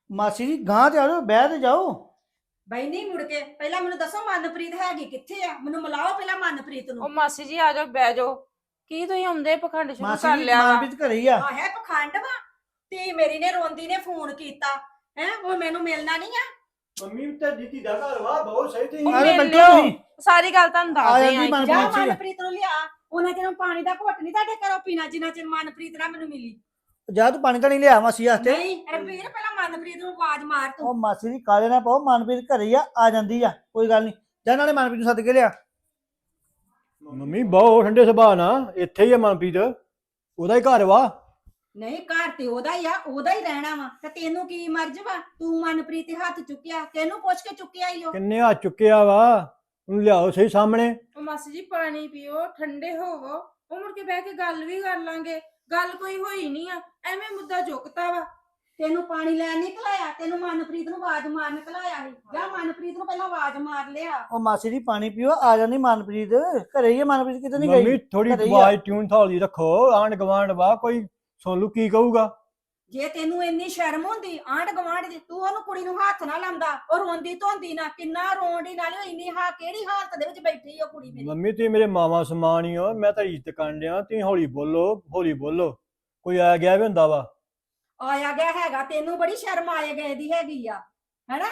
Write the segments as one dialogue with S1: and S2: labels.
S1: ਮਾਸੀ ਜੀ ਗਾਂ ਤੇ ਆ ਜਾਓ, ਬਹਿ ਤੇ ਜਾਓ।
S2: ਬਈ ਨਹੀਂ ਮੁੜ ਕੇ ਪਹਿਲਾਂ ਮੈਨੂੰ ਦੱਸੋ ਮਨਪ੍ਰੀਤ ਹੈਗੀ ਕਿੱਥੇ ਆ? ਮੈਨੂੰ ਮਿਲਾਓ ਪਹਿਲਾਂ ਮਨਪ੍ਰੀਤ
S3: ਉਹ
S2: ਨੂੰ।
S3: ਮਾਸੀ ਜੀ ਆ ਜਾਓ, ਬਹਿ ਜਾਓ। ਕੀ ਤੁਸੀਂ ਹੁੰਦੇ ਪਖੰਡ ਸ਼ੁਰੂ
S1: ਮਾਸੀ
S3: ਕਰ
S1: ਜੀ
S3: ਲਿਆ ਵਾ?
S1: ਮਨਪ੍ਰੀਤ ਘਰੇ ਹੀ ਆ।
S2: ਆ ਹੈ ਪਖੰਡ ਵਾ। ਧੀ ਮੇਰੀ ਨੇ ਰੋਂਦੀ ਨੇ ਫੋਨ ਕੀਤਾ ਹੈ, ਉਹ ਮੈਨੂੰ ਮਿਲਣਾ ਨਹੀਂ ਆ।
S4: ਮੰਮੀ ਤੇ ਦਿੱਤੀ ਦਾ ਘਰ ਵਾ ਬਹੁਤ ਸਹੀ ਤੇ
S3: ਉਹ
S1: ਅਰੇ
S3: ਮਿਲ
S1: ਬੈਠੋ
S3: ਲਿਓ।
S1: ਤੁਸੀਂ।
S3: ਸਾਰੀ ਗੱਲ ਤੁਹਾਨੂੰ
S1: ਆ
S3: ਦੱਸਦੇ
S1: ਜਾਂਦੀ
S3: ਆਂ।
S1: ਮਨਪ੍ਰੀਤ
S2: ਜਾ
S1: ਜੀ।
S2: ਮਨਪ੍ਰੀਤ ਨੂੰ ਲਿਆ। ਉਹਨਾਂ ਚਿਰ ਪਾਣੀ ਦਾ ਘੁੱਟ ਨਹੀਂ ਤੁਹਾਡੇ ਘਰੋਂ ਪੀਣਾ ਜਿੰਨਾ ਚਿਰ ਮਨਪ੍ਰੀਤ ਨਾ ਮੈਨੂੰ ਮਿਲੀ।
S1: ਜਾ ਤੂੰ ਪਾਣੀ ਤਾਂ ਨਹੀਂ ਲਿਆ ਮਾਸੀ ਵਾਸਤੇ।
S2: ਨਹੀਂ ਰਵੀਰ ਪਹਿਲਾਂ ਮਨਪ੍ਰੀਤ ਨੂੰ ਆਵਾਜ਼ ਮਾਰ ਤੂੰ।
S1: ਉਹ ਮਾਸੀ ਜੀ ਕਾਲੇ ਨਾ ਪਾਓ, ਮਨਪ੍ਰੀਤ ਘਰੇ ਹੀ ਆ ਜਾਂਦੀ ਆ, ਕੋਈ ਗੱਲ ਨਹੀਂ। ਜਾ ਨਾਲੇ ਮਨਪ੍ਰੀਤ ਨੂੰ ਸੱਦ ਕੇ ਲਿਆ।
S4: ਮੰਮੀ ਬਹੁਤ ਠੰਡੇ ਸੁਭਾਅ ਨਾਲ ਇੱਥੇ ਹੀ ਆ ਮਨਪ੍ਰੀਤ, ਉਹਦਾ ਹੀ ਘਰ ਵਾ।
S2: ਨਹੀਂ ਘਰ ਤੇ ਉਹਦਾ ਹੀ ਆ, ਉਹਦਾ ਹੀ ਰਹਿਣਾ ਵਾ। ਤੇ ਤੈਨੂੰ ਕੀ ਮਰਜ਼ ਵਾ? ਤੂੰ ਮਨਪ੍ਰੀਤ ਦੇ ਹੱਥ ਚੁੱਕਿਆ, ਤੈਨੂੰ ਪੁੱਛ ਕੇ ਚੁੱਕਿਆ ਹੀ ਉਹ।
S4: ਕਿੰਨੇ ਹੱਥ ਚੁੱਕਿਆ ਵਾ, ਉਹਨੂੰ ਲਿਆਓ ਸਹੀ ਸਾਹਮਣੇ।
S3: ਉਹ ਮਾਸੀ ਜੀ ਪਾਣੀ ਪੀਓ, ਠੰਡੇ ਹੋਵੋ, ਉਹ ਮੁੜ ਕੇ ਬਹਿ ਕੇ ਗੱਲ ਵੀ ਕਰ ਲਾਂਗੇ। ਗੱਲ ਕੋਈ ਹੋਈ ਨਹੀਂ ਆ, ਐਵੇਂ ਮੁੱਦਾ ਚੁੱਕਤਾ ਵਾ।
S2: ਤੈਨੂੰ ਪਾਣੀ ਲੈਣ ਨਹੀਂ ਘਲਾਇਆ, ਤੈਨੂੰ ਮਨਪ੍ਰੀਤ ਨੂੰ ਆਵਾਜ਼ ਮਾਰਨ ਘਲਾਇਆ ਸੀ। ਜਾ ਮਨਪ੍ਰੀਤ ਨੂੰ ਪਹਿਲਾਂ ਆਵਾਜ਼ ਮਾਰ ਲਿਆ।
S1: ਉਹ ਮਾਸੀ ਜੀ ਪਾਣੀ ਪੀਓ, ਆ ਜਾਂਦੀ ਮਨਪ੍ਰੀਤ। ਘਰੇ ਹੀ ਆ ਮਨਪ੍ਰੀਤ, ਕਿਤੇ ਨਹੀਂ
S4: ਮੰਮੀ
S1: ਗਈ।
S4: ਥੋੜੀ
S1: ਘਰੇ ਹੀ ਆ।
S4: ਆਵਾਜ਼ ਟਿਊਨ ਥਾਲੀ ਰੱਖੋ, ਆਂਢ ਗਵਾਂਢ ਵਾ, ਕੋਈ ਸੁਣ ਲੂ ਕੀ ਕਹੂਗਾ।
S2: ਜੇ ਤੈਨੂੰ ਇੰਨੀ ਸ਼ਰਮ ਹੁੰਦੀ ਆਂਢ ਗਵਾਂਢ ਦੀ, ਤੂੰ ਉਹਨੂੰ ਕੁੜੀ ਨੂੰ ਹੱਥ ਨਾ ਲਾਉਂਦਾ। ਉਹ ਰੋਂਦੀ ਧੋਂਦੀ ਨਾ, ਕਿੰਨਾ ਰੋਂਦੀ, ਨਾਲੇ ਉਹ ਇੰਨੀ ਕਿਹੜੀ ਹਾਲਤ ਦੇ ਵਿੱਚ ਬੈਠੀ ਉਹ ਕੁੜੀ ਮੇਰੀ।
S4: ਮੰਮੀ ਤੁਸੀਂ ਮੇਰੇ ਮਾਵਾ ਸਮਾਨ ਹੀ ਹੋ, ਮੈਂ ਤਾਂ ਇੱਜ਼ਤ ਕਰਨ ਡਿਆ, ਤੁਸੀਂ ਹੌਲੀ ਬੋਲੋ ਹੌਲੀ ਬੋਲੋ, ਕੋਈ ਆ ਗਿਆ ਵੀ ਹੁੰਦਾ ਵਾ।
S2: ਆਇਆ ਗਿਆ ਹੈਗਾ, ਤੈਨੂੰ ਬੜੀ ਸ਼ਰਮ ਆਏ ਗਏ ਦੀ ਹੈਗੀ ਆ, ਹੈਨਾ?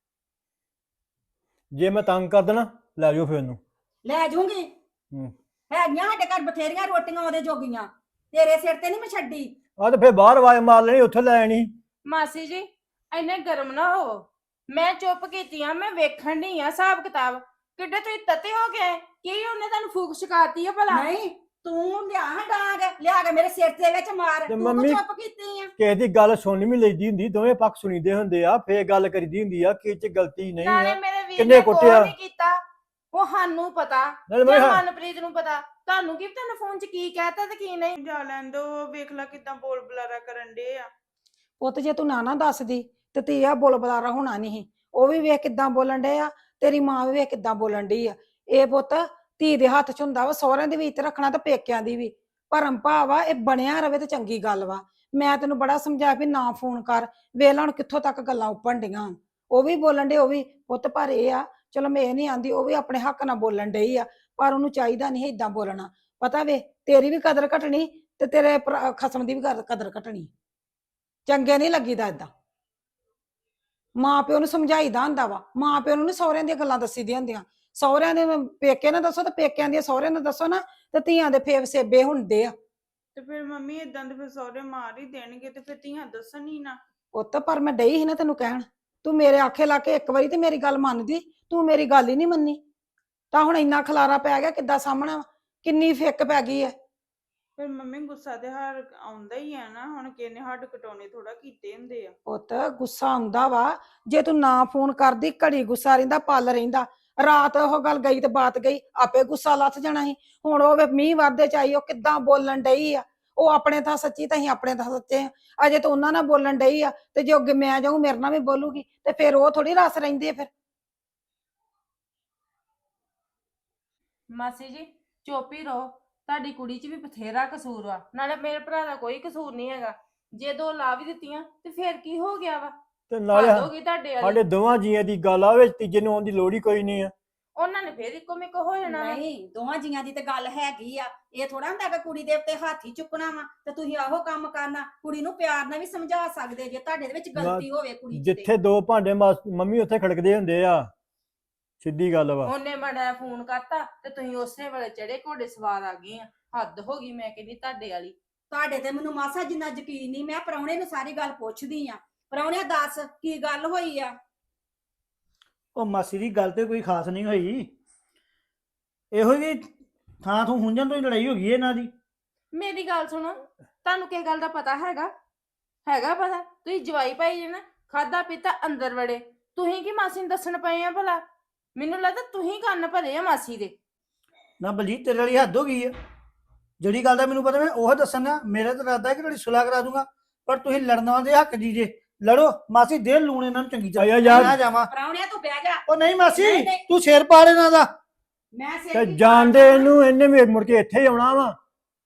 S4: ਜੇ ਮੈਂ ਤੰਗ ਕਰ ਦੇਣਾ ਲੈ ਜਾਓ ਫਿਰ ਉਹਨੂੰ।
S2: ਲੈ ਜੂੰਗੀ। ਹੈਗੀਆਂ ਸਾਡੇ ਘਰ ਬਥੇਰੀਆਂ ਰੋਟੀਆਂ ਉਹਦੇ ਜੋਗੀਆਂ, ਤੇਰੇ ਸਿਰ ਤੇ ਨਹੀਂ ਮੈਂ ਛੱਡੀ।
S4: ਆ ਤੇ ਫਿਰ ਬਾਹਰ ਆਵਾਜ਼ ਮਾਰ ਲੈਣੀ, ਉੱਥੇ ਲੈ ਆਣੀ।
S3: ਮਾਸੀ ਜੀ ਇੰਨੇ ਗਰਮ ਨਾ ਹੋ, ਮੈਂ ਚੁੱਪ ਕੀਤੀ ਆ, ਮੈਂ ਵੇਖਣ ਨਹੀਂ ਆ ਹਿਸਾਬ ਕਿਤਾਬ। ਕਿੱਡੇ ਤੁਸੀਂ ਤਤੇ ਹੋ ਗਏ? ਕੀ ਉਹਨੇ ਤੁਹਾਨੂੰ ਫੂਕ ਸ਼ਿਕਾਤੀ ਆ ਭਲਾ?
S2: ਨਹੀਂ ਤੂੰ ਲਿਆ ਡਾਂਗ ਲਿਆ ਕੇ ਮੇਰੇ ਸਿਰ ਦੇ ਵਿੱਚ ਮਾਰ।
S4: ਤੇ
S2: ਤੂੰ
S4: ਮੰਮੀ-
S2: ਚੁੱਪ ਕੀਤੀ ਆ।
S4: ਕਿਸੇ ਦੀ ਗੱਲ ਸੁਣ ਵੀ ਲਈਦੀ ਹੁੰਦੀ, ਦੋਵੇਂ ਪੱਖ ਸੁਣੀਦੇ ਹੁੰਦੇ ਆ, ਫੇਰ ਗੱਲ ਕਰੀਦੀ ਹੁੰਦੀ ਆ ਕਿ ਇਹ ਚ ਗਲਤੀ ਨਹੀਂ
S3: ਨਾਲੇ
S4: ਆ।
S3: ਮੇਰੇ ਵੀਰ
S4: ਕਿੰਨੇ
S3: ਨੇ ਕੋਈ
S4: ਕੁੱਟਿਆ?
S3: ਨਹੀਂ ਕੀਤਾ, ਉਹ ਸਾਨੂੰ ਪਤਾ,
S4: ਨਾਲੇ
S3: ਜਾਂ
S4: ਮੈਂ
S3: ਮਨਪ੍ਰੀਤ ਨੂੰ ਪਤਾ। ਤੁਹਾਨੂੰ ਕੀ ਪਤਾ ਫੋਨ 'ਚ ਕੀ ਕਹਿਤਾ ਤੇ ਕੀ ਨਹੀਂ?
S5: ਜਾ ਲੈਣ ਦੋ, ਵੇਖ ਲੈ ਕਿਦਾਂ ਬੋਲ ਬੁਲਾਰਾ ਕਰਨ ਡੇ ਆ।
S6: ਪੁੱਤ ਜੇ ਤੂੰ ਨਾ ਦੱਸਦੀ ਤੇ ਧੀਆ ਬੋਲ ਬੁਲਾਰਾ ਹੋਣਾ ਨਹੀਂ। ਉਹ ਵੀ ਵੇਖ ਕਿਦਾਂ ਬੋਲਣ ਡੇ ਆ, ਤੇਰੀ ਮਾਂ ਵੀ ਵੇਖ ਕਿਦਾਂ ਬੋਲਣ ਡਈ ਆ। ਇਹ ਪੁੱਤ ਧੀ ਦੇ ਹੱਥ 'ਚ ਹੁੰਦਾ ਵਾ, ਸਹੁਰਿਆਂ ਦੇ ਵੀ ਇੱਜ਼ਤ ਰੱਖਣਾ ਤੇ ਪੇਕਿਆਂ ਦੀ ਵੀ। ਭਰਮ ਭਾਵ ਆ, ਇਹ ਬਣਿਆ ਰਵੇ ਤੇ ਚੰਗੀ ਗੱਲ ਵਾ। ਮੈਂ ਤੈਨੂੰ ਬੜਾ ਸਮਝਾਇਆ ਵੀ ਨਾ ਫੋਨ ਕਰ, ਵੇਖ ਹੁਣ ਕਿੱਥੋਂ ਤੱਕ ਗੱਲਾਂ ਉੱਪਣ ਡੀਆਂ। ਉਹ ਵੀ ਬੋਲਣ ਡੇ, ਉਹ ਵੀ ਪੁੱਤ, ਪਰ ਇਹ ਆ ਚਲੋ ਮੈਂ ਇਹ ਨਹੀਂ ਆਂਦੀ, ਉਹ ਵੀ ਆਪਣੇ ਹੱਕ ਨਾਲ ਬੋਲਣ ਡਈ ਆ, ਪਰ ਉਹਨੂੰ ਚਾਹੀਦਾ ਨਹੀਂ ਏਦਾਂ ਬੋਲਣਾ। ਪਤਾ ਵੇ ਤੇਰੀ ਵੀ ਕਦਰ ਘਟਣੀ ਤੇ ਤੇਰੇ ਖਸਮ ਦੀ ਵੀ ਕਦਰ ਘਟਣੀ। ਚੰਗੇ ਨਹੀਂ ਲੱਗੀਦਾ ਏਦਾਂ। ਮਾਂ ਪਿਓ ਨੂੰ ਸਮਝਾਈਦਾ ਹੁੰਦਾ ਵਾ, ਮਾਂ ਪਿਓ ਨੂੰ ਨੀ ਸਹੁਰਿਆਂ ਦੀਆਂ ਗੱਲਾਂ ਦੱਸੀ ਦੀਆਂ ਹੁੰਦੀਆਂ। ਸਹੁਰਿਆਂ ਦੇ ਪੇਕੇ ਨਾ ਦੱਸੋ ਤੇ ਪੇਕਿਆਂ ਦੀਆਂ ਸਹੁਰਿਆਂ ਨੂੰ ਦੱਸੋ ਨਾ, ਤੇ ਧੀਆਂ ਦੇ ਫੇਵ ਸੇਬੇ ਹੁੰਦੇ ਆ।
S5: ਤੇ ਫਿਰ ਮੰਮੀ ਇਦਾਂ ਦੇ ਫਿਰ ਸਹੁਰੇ ਮਾਰ ਹੀ ਦੇਣਗੇ, ਤੇ ਫਿਰ ਧੀਆਂ ਦੱਸਣ ਹੀ ਨਾ।
S6: ਪੁੱਤ ਪਰ ਮੈਂ ਡਈ ਸੀ ਨਾ ਤੈਨੂੰ ਕਹਿਣ, ਤੂੰ ਮੇਰੇ ਆਖੇ ਲਾ ਕੇ ਇੱਕ ਵਾਰੀ ਤੇ ਮੇਰੀ ਗੱਲ ਮੰਨਦੀ, ਤੂੰ ਮੇਰੀ ਗੱਲ ਹੀ ਨਹੀਂ ਮੰਨੀ। ਤਾਂ ਹੁਣ ਇੰਨਾ ਖਲਾਰਾ ਪੈ ਗਿਆ, ਕਿੱਦਾਂ ਸਾਹਮਣਾ, ਕਿੰਨੀ ਫਿੱਕ ਪੈ ਗਈ ਹੈ।
S5: ਫਿਰ ਮੰਮੀ ਗੁੱਸਾ ਤੇ ਹਰ ਆਉਂਦਾ ਹੀ ਆ ਨਾ, ਹੁਣ ਕਿਹਨੇ ਹੱਡ ਕਟਾਉਣੇ ਥੋੜਾ ਕੀਤੇ ਹੁੰਦੇ ਆ।
S6: ਪੁੱਤ ਗੁੱਸਾ ਆਉਂਦਾ ਵਾ, ਜੇ ਤੂੰ ਨਾ ਫੋਨ ਕਰਦੀ ਘੜੀ ਗੁੱਸਾ ਰਹਿੰਦਾ, ਪਲ ਰਹਿੰਦਾ। ਰਾਤ ਉਹ ਗੱਲ ਗਈ ਤੇ ਬਾਤ ਗਈ, ਆਪੇ ਗੁੱਸਾ ਲੱਥ ਜਾਣਾ ਸੀ। ਹੁਣ ਉਹ ਵੇ ਮੀਂਹ ਵਾਧੇ ਚ ਆਈ, ਉਹ ਕਿੱਦਾਂ ਬੋਲਣ ਡਈ ਆ। ਉਹ ਆਪਣੇ ਤਾਂ ਸੱਚੀ ਤਾਂ ਅਸੀਂ ਆਪਣੇ ਤਾਂ ਸੱਚੇ ਆ। ਅਜੇ ਤਾਂ ਉਹਨਾਂ ਨਾਲ ਬੋਲਣ ਡਈ ਆ, ਤੇ ਜੇ ਅੱਗੇ ਮੈਂ ਜਾਊਂ ਮੇਰੇ ਨਾਲ ਵੀ ਬੋਲੂਗੀ, ਤੇ ਫਿਰ ਉਹ ਥੋੜੀ ਰਸ ਰਹਿੰਦੀ ਆ ਫਿਰ।
S3: ਮਾਸੀ ਜੀ ਚੁੱਪ ਹੀ ਰਹੋ, ਤੁਹਾਡੀ ਕੁੜੀ 'ਚ ਵੀ ਬਥੇਰਾ ਕਸੂਰ ਵਾ, ਨਾਲੇ ਮੇਰੇ ਭਰਾ ਦਾ ਕੋਈ ਕਸੂਰ ਨਹੀਂ ਹੈਗਾ। ਜੇ ਦੋ ਲਾ ਵੀ ਦਿੱਤੀਆਂ ਤੇ ਫਿਰ ਕੀ ਹੋ ਗਿਆ ਵਾ?
S4: ਤੇ ਨਾਲੇ
S3: ਹੱਦ ਹੋ ਗਈ ਤੁਹਾਡੇ ਵਾਲੀ।
S4: ਸਾਡੇ ਦੋਵਾਂ ਜੀਆਂ ਦੀ ਗੱਲ ਆ, ਵਿੱਚ ਤੀਜੇ ਨੂੰ ਆਉਣ ਦੀ ਲੋੜ ਹੀ ਕੋਈ ਨਹੀਂ ਆ।
S3: ਉਹਨਾਂ ਨੇ ਫਿਰ ਇੱਕੋ ਮਿੱਕ ਹੋ ਜਾਣਾ ਵਾ।
S2: ਨਹੀਂ ਦੋਵਾਂ ਜੀਆਂ ਦੀ ਤੇ ਗੱਲ ਹੈਗੀ ਆ। ਇਹ ਥੋੜਾ ਹੁੰਦਾ ਕਿ ਕੁੜੀ ਦੇ ਉੱਤੇ ਹੱਥ ਹੀ ਚੁੱਕਣਾ ਵਾ ਤੇ ਤੁਸੀਂ ਆਹੋ ਕੰਮ ਕਰਨਾ। ਕੁੜੀ ਨੂੰ ਪਿਆਰ ਨਾਲ ਵੀ ਸਮਝਾ ਸਕਦੇ ਜੇ ਤੁਹਾਡੇ ਦੇ ਵਿੱਚ ਗਲਤੀ ਹੋਵੇ ਕੁੜੀ 'ਚ ਤੇ।
S4: ਜਿੱਥੇ ਦੋ ਭਾਂਡੇ ਮੰਮੀ ਉੱਥੇ ਖੜਕਦੇ ਹੁੰਦੇ ਆ, ਸਿੱਧੀ ਗੱਲ ਵਾ।
S3: ਉਹਨੇ ਮਾੜਾ ਫੋਨ ਕਰਤਾ ਤੇ ਤੁਸੀਂ ਉਸੇ ਵੇਲੇ ਚੜੇ ਘੋੜੇ ਸਵਾਰ ਆ ਗਏ ਆ। ਹੱਦ ਹੋ ਗਈ ਮੈਂ ਕਹਿੰਦੀ ਤੁਹਾਡੇ ਵਾਲੀ।
S2: ਤੁਹਾਡੇ ਤੇ ਮੈਨੂੰ ਮਾਸਾ ਜਿੰਨਾ ਯਕੀਨ ਨਹੀਂ। ਮੈਂ ਪ੍ਰਾਹੁਣੇ ਨੂੰ ਸਾਰੀ ਗੱਲ ਪੁੱਛਦੀ ਆ। ਪ੍ਰਾਹੁਣਿਆ ਦੱਸ ਕੀ ਗੱਲ ਹੋਈ ਆ?
S1: ਉਹ ਮਾਸੀ ਦੀ ਗੱਲ ਤੇ ਕੋਈ ਖਾਸ ਨਹੀਂ ਹੋਈ, ਇਹੋ ਜਿਹੀ ਥਾਂ ਤੋਂ ਹੁੰਜਣ ਤੋਂ ਹੀ ਲੜਾਈ ਹੋ ਗਈ ਇਹਨਾਂ ਦੀ।
S3: ਮੇਰੀ ਗੱਲ ਸੁਣੋ, ਤੁਹਾਨੂੰ ਕਿਸ ਗੱਲ ਦਾ ਪਤਾ ਹੈਗਾ? ਹੈਗਾ ਪਤਾ? ਤੁਸੀਂ ਜਵਾਈ ਭਾਈ ਜੇ ਨਾ, ਖਾਦਾ ਪੀਤਾ ਅੰਦਰ ਵੜੇ, ਤੁਸੀਂ ਕੀ ਮਾਸੀ ਨੂੰ ਦੱਸਣ ਪਏ ਆ ਭਲਾ? ਮੈਨੂੰ ਲੱਗਦਾ ਤੁਸੀਂ ਕੰਨ ਭਰੇ ਆ ਮਾਸੀ ਦੇ।
S1: ਨਾ ਬਲਜੀਤ ਤੇਰੇ ਵਾਲੀ ਹੱਦ ਹੋ ਗਈ ਆ। ਜਿਹੜੀ ਗੱਲ ਦਾ ਮੈਨੂੰ ਪਤਾ ਮੈਂ ਉਹ ਦੱਸਣਾ। ਮੇਰਾ ਤਾਂ ਇਰਾਦਾ ਹੈ ਕਿ ਤੁਹਾਡੀ ਸੁਲਾਹ ਕਰਾ ਦੂੰਗਾ, ਪਰ ਤੁਸੀਂ ਲੜਨਾ ਦੇ ਹੱਕ ਜੀ ਜੇ। ਲੜੋ ਮਾਸੀ, ਦੇ ਲੂਣ ਇਹਨਾਂ ਨੂੰ ਚੰਗੀ
S4: ਆਇਆ
S1: ਤਰ੍ਹਾਂ।
S4: ਯਾਰ।
S1: ਨਾ ਜਾਵਾਂ।
S2: ਪ੍ਰਾਹੁਣਿਆ ਤੂੰ ਬਹਿ ਜਾ।
S1: ਉਹ ਨਹੀਂ ਮਾਸੀ,
S2: ਨਹੀਂ, ਨਹੀਂ।
S1: ਤੂੰ ਸਿਰ ਪਾੜ ਇਹਨਾਂ ਦਾ।
S2: ਮੈਂ ਸਿਰ
S4: ਤੇ
S2: ਕੀ
S4: ਜਾਣਦੇ
S2: ਪਾੜਨਾ?
S4: ਇਹਨੂੰ, ਇਹਨੇ ਵੀ ਮੁੜ ਕੇ ਇੱਥੇ ਹੀ ਆਉਣਾ ਵਾ।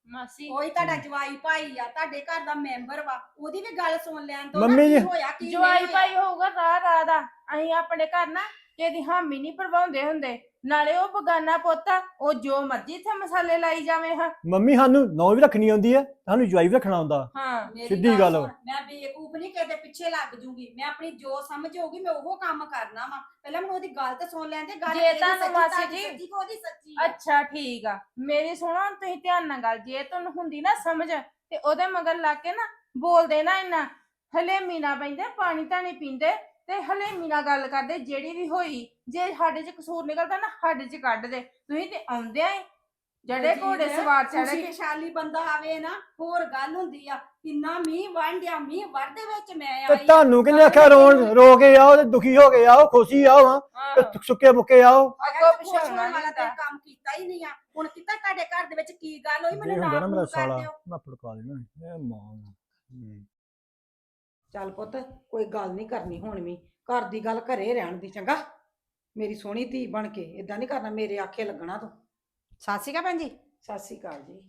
S3: ਮਾਸੀ
S2: ਕੋਈ ਤੁਹਾਡਾ ਜਵਾਈ ਭਾਈ ਆ, ਤੁਹਾਡੇ ਘਰ ਦਾ ਮੈਂਬਰ ਵਾ, ਉਹਦੀ ਵੀ ਗੱਲ ਸੁਣ ਲੈਣ ਤੋਂ
S4: ਮੰਮੀ ਜੀ,
S2: ਹੋਇਆ ਕੀ
S3: ਜਵਾਈ
S2: ਨਹੀਂ
S3: ਭਾਈ ਹੋਊਗਾ ਰਾਹ ਦਾ। ਅਸੀਂ ਆਪਣੇ ਘਰ ਨਾ ਕਿਸੇ ਹਾਮੀ ਨਹੀਂ ਭਰਵਾਉਂਦੇ ਹੁੰਦੇ। ਨਾਲੇ ਉਹ ਬਗਾਨਾ ਪੁੱਤ ਆ, ਉਹ ਜੋ ਮਰਜ਼ੀ ਇੱਥੇ ਮਸਾਲੇ ਲਾਈ ਜਾਵੇ। ਹਾਂ
S4: ਮੰਮੀ ਸਾਨੂੰ ਨੌ ਵੀ ਰੱਖਣੀ ਆਉਂਦੀ ਆ, ਸਾਨੂੰ ਜਵਾਈ ਵੀ ਰੱਖਣਾ ਆਉਂਦਾ।
S3: ਹਾਂ
S2: ਮੇਰੀ
S4: ਸਿੱਧੀ ਗੱਲ ਵਾ।
S2: ਸੁਣ, ਮੈਂ ਬੇਵਕੂਫ ਨਹੀਂ ਕਿਤੇ ਪਿੱਛੇ ਲੱਗ ਜੂਗੀ। ਮੈਂ ਆਪਣੀ ਜੋ ਸਮਝ ਹੋਊਗੀ ਮੈਂ ਉਹ ਕੰਮ ਕਰਨਾ ਵਾ। ਪਹਿਲਾਂ ਮੈਨੂੰ ਉਹਦੀ ਗੱਲ ਤਾਂ ਸੁਣ ਲੈਣ ਦੇ। ਗੱਲ
S3: ਜੇ
S2: ਕਿਹਦੀ
S3: ਤੁਹਾਨੂੰ
S2: ਸੱਚੀ,
S3: ਮਾਸੀ
S2: ਤੁਹਾਡੀ
S3: ਜੀ-
S2: ਸੱਚੀ ਕਿ ਉਹਦੀ ਸੱਚੀ ਆ?
S3: ਅੱਛਾ ਠੀਕ ਆ, ਮੇਰੀ ਸੁਣੋ ਤੁਸੀਂ ਧਿਆਨ ਨਾਲ ਗੱਲ। ਜੇ ਤੁਹਾਨੂੰ ਹੁੰਦੀ ਨਾ ਸਮਝ ਤੇ ਉਹਦੇ ਮਗਰ ਲੱਗ ਕੇ ਨਾ ਬੋਲਦੇ ਨਾ ਇੰਨਾ ਹਲੇਮੀ ਨਾ ਪੈਂਦੇ, ਪਾਣੀ ਤਾਂ ਨਹੀਂ ਪੀਂਦੇ ਤੇ ਹਲੇਮੀ ਨਾਲ ਗੱਲ ਕਰਦੇ। ਜਿਹੜੀ ਵੀ ਹੋਈ ਜੇ ਸਾਡੇ 'ਚ ਕਸੂਰ ਨਿਕਲਦਾ ਨਾ ਸਾਡੇ 'ਚ ਕੱਢ ਦੇ। ਤੁਸੀਂ ਤੇ ਆਉਂਦੇ ਆ ਜਿਹੜੇ ਘੋੜੇ ਸਵਾਰ ਚੜ ਕੇ
S2: ਖੁਸ਼ਹਾਲੀ ਬੰਦਾ ਆਵੇ ਨਾ, ਹੋਰ ਗੱਲ ਹੁੰਦੀ ਆ। ਕਿੰਨਾ ਮੀਂਹ ਵੰਡਿਆ, ਮੀਂਹ ਵਰਦੇ ਵਿੱਚ ਮੈਂ
S4: ਤੇ
S2: ਆਈ ਆ।
S4: ਤੁਹਾਨੂੰ ਕਿਹਨੇ ਆਖਿਆ ਰੋ ਕੇ ਆਓ ਤੇ ਦੁਖੀ ਹੋ ਕੇ ਆਓ, ਖੁਸ਼ੀ ਆਓ ਹਾਂ
S3: ਹਾਂ।
S4: ਤੇ ਸੁੱਕੇ ਮੁੱਕੇ ਆਓ।
S3: ਅੱਗੋਂ
S2: ਖੁਸ਼
S3: ਪਿੱਛੋਂ
S2: ਹੋਣ
S3: ਨਾ
S2: ਵਾਲਾ ਤੇ
S3: ਕੀਤਾ।
S2: ਕੰਮ ਕੀਤਾ ਹੀ ਨਹੀਂ ਆ। ਹੁਣ ਕੀਤਾ ਤੁਹਾਡੇ ਘਰ ਦੇ ਵਿੱਚ ਕੀ ਗੱਲ ਹੋਈ
S4: ਜੇ
S2: ਮੈਨੂੰ
S4: ਹੁੰਦਾ ਨਾ
S2: ਨਾਮ
S4: ਮੇਰਾ
S2: ਕਰ
S4: ਸਾਲਾ
S2: ਦਿਓ।
S4: ਮੈਂ ਫੜਕਾ ਦੇਣਾ ਇਹ ਮਾਂ।
S6: ਚੱਲ ਪੁੱਤ ਕੋਈ ਗੱਲ ਨਹੀਂ ਕਰਨੀ ਹੁਣ ਵੀ। ਘਰ ਦੀ ਗੱਲ ਘਰੇ ਰਹਿਣ ਦੀ, ਚੰਗਾ? ਮੇਰੀ ਸੋਹਣੀ ਧੀ ਬਣ ਕੇ ਇਦਾਂ ਨਹੀਂ ਕਰਨਾ, ਮੇਰੇ ਆਖੇ ਲੱਗਣਾ ਤੂੰ।
S2: ਸਤਿ ਸ਼੍ਰੀ ਅਕਾਲ ਭੈਣ ਜੀ।
S6: ਸਤਿ ਸ੍ਰੀ ਅਕਾਲ ਜੀ।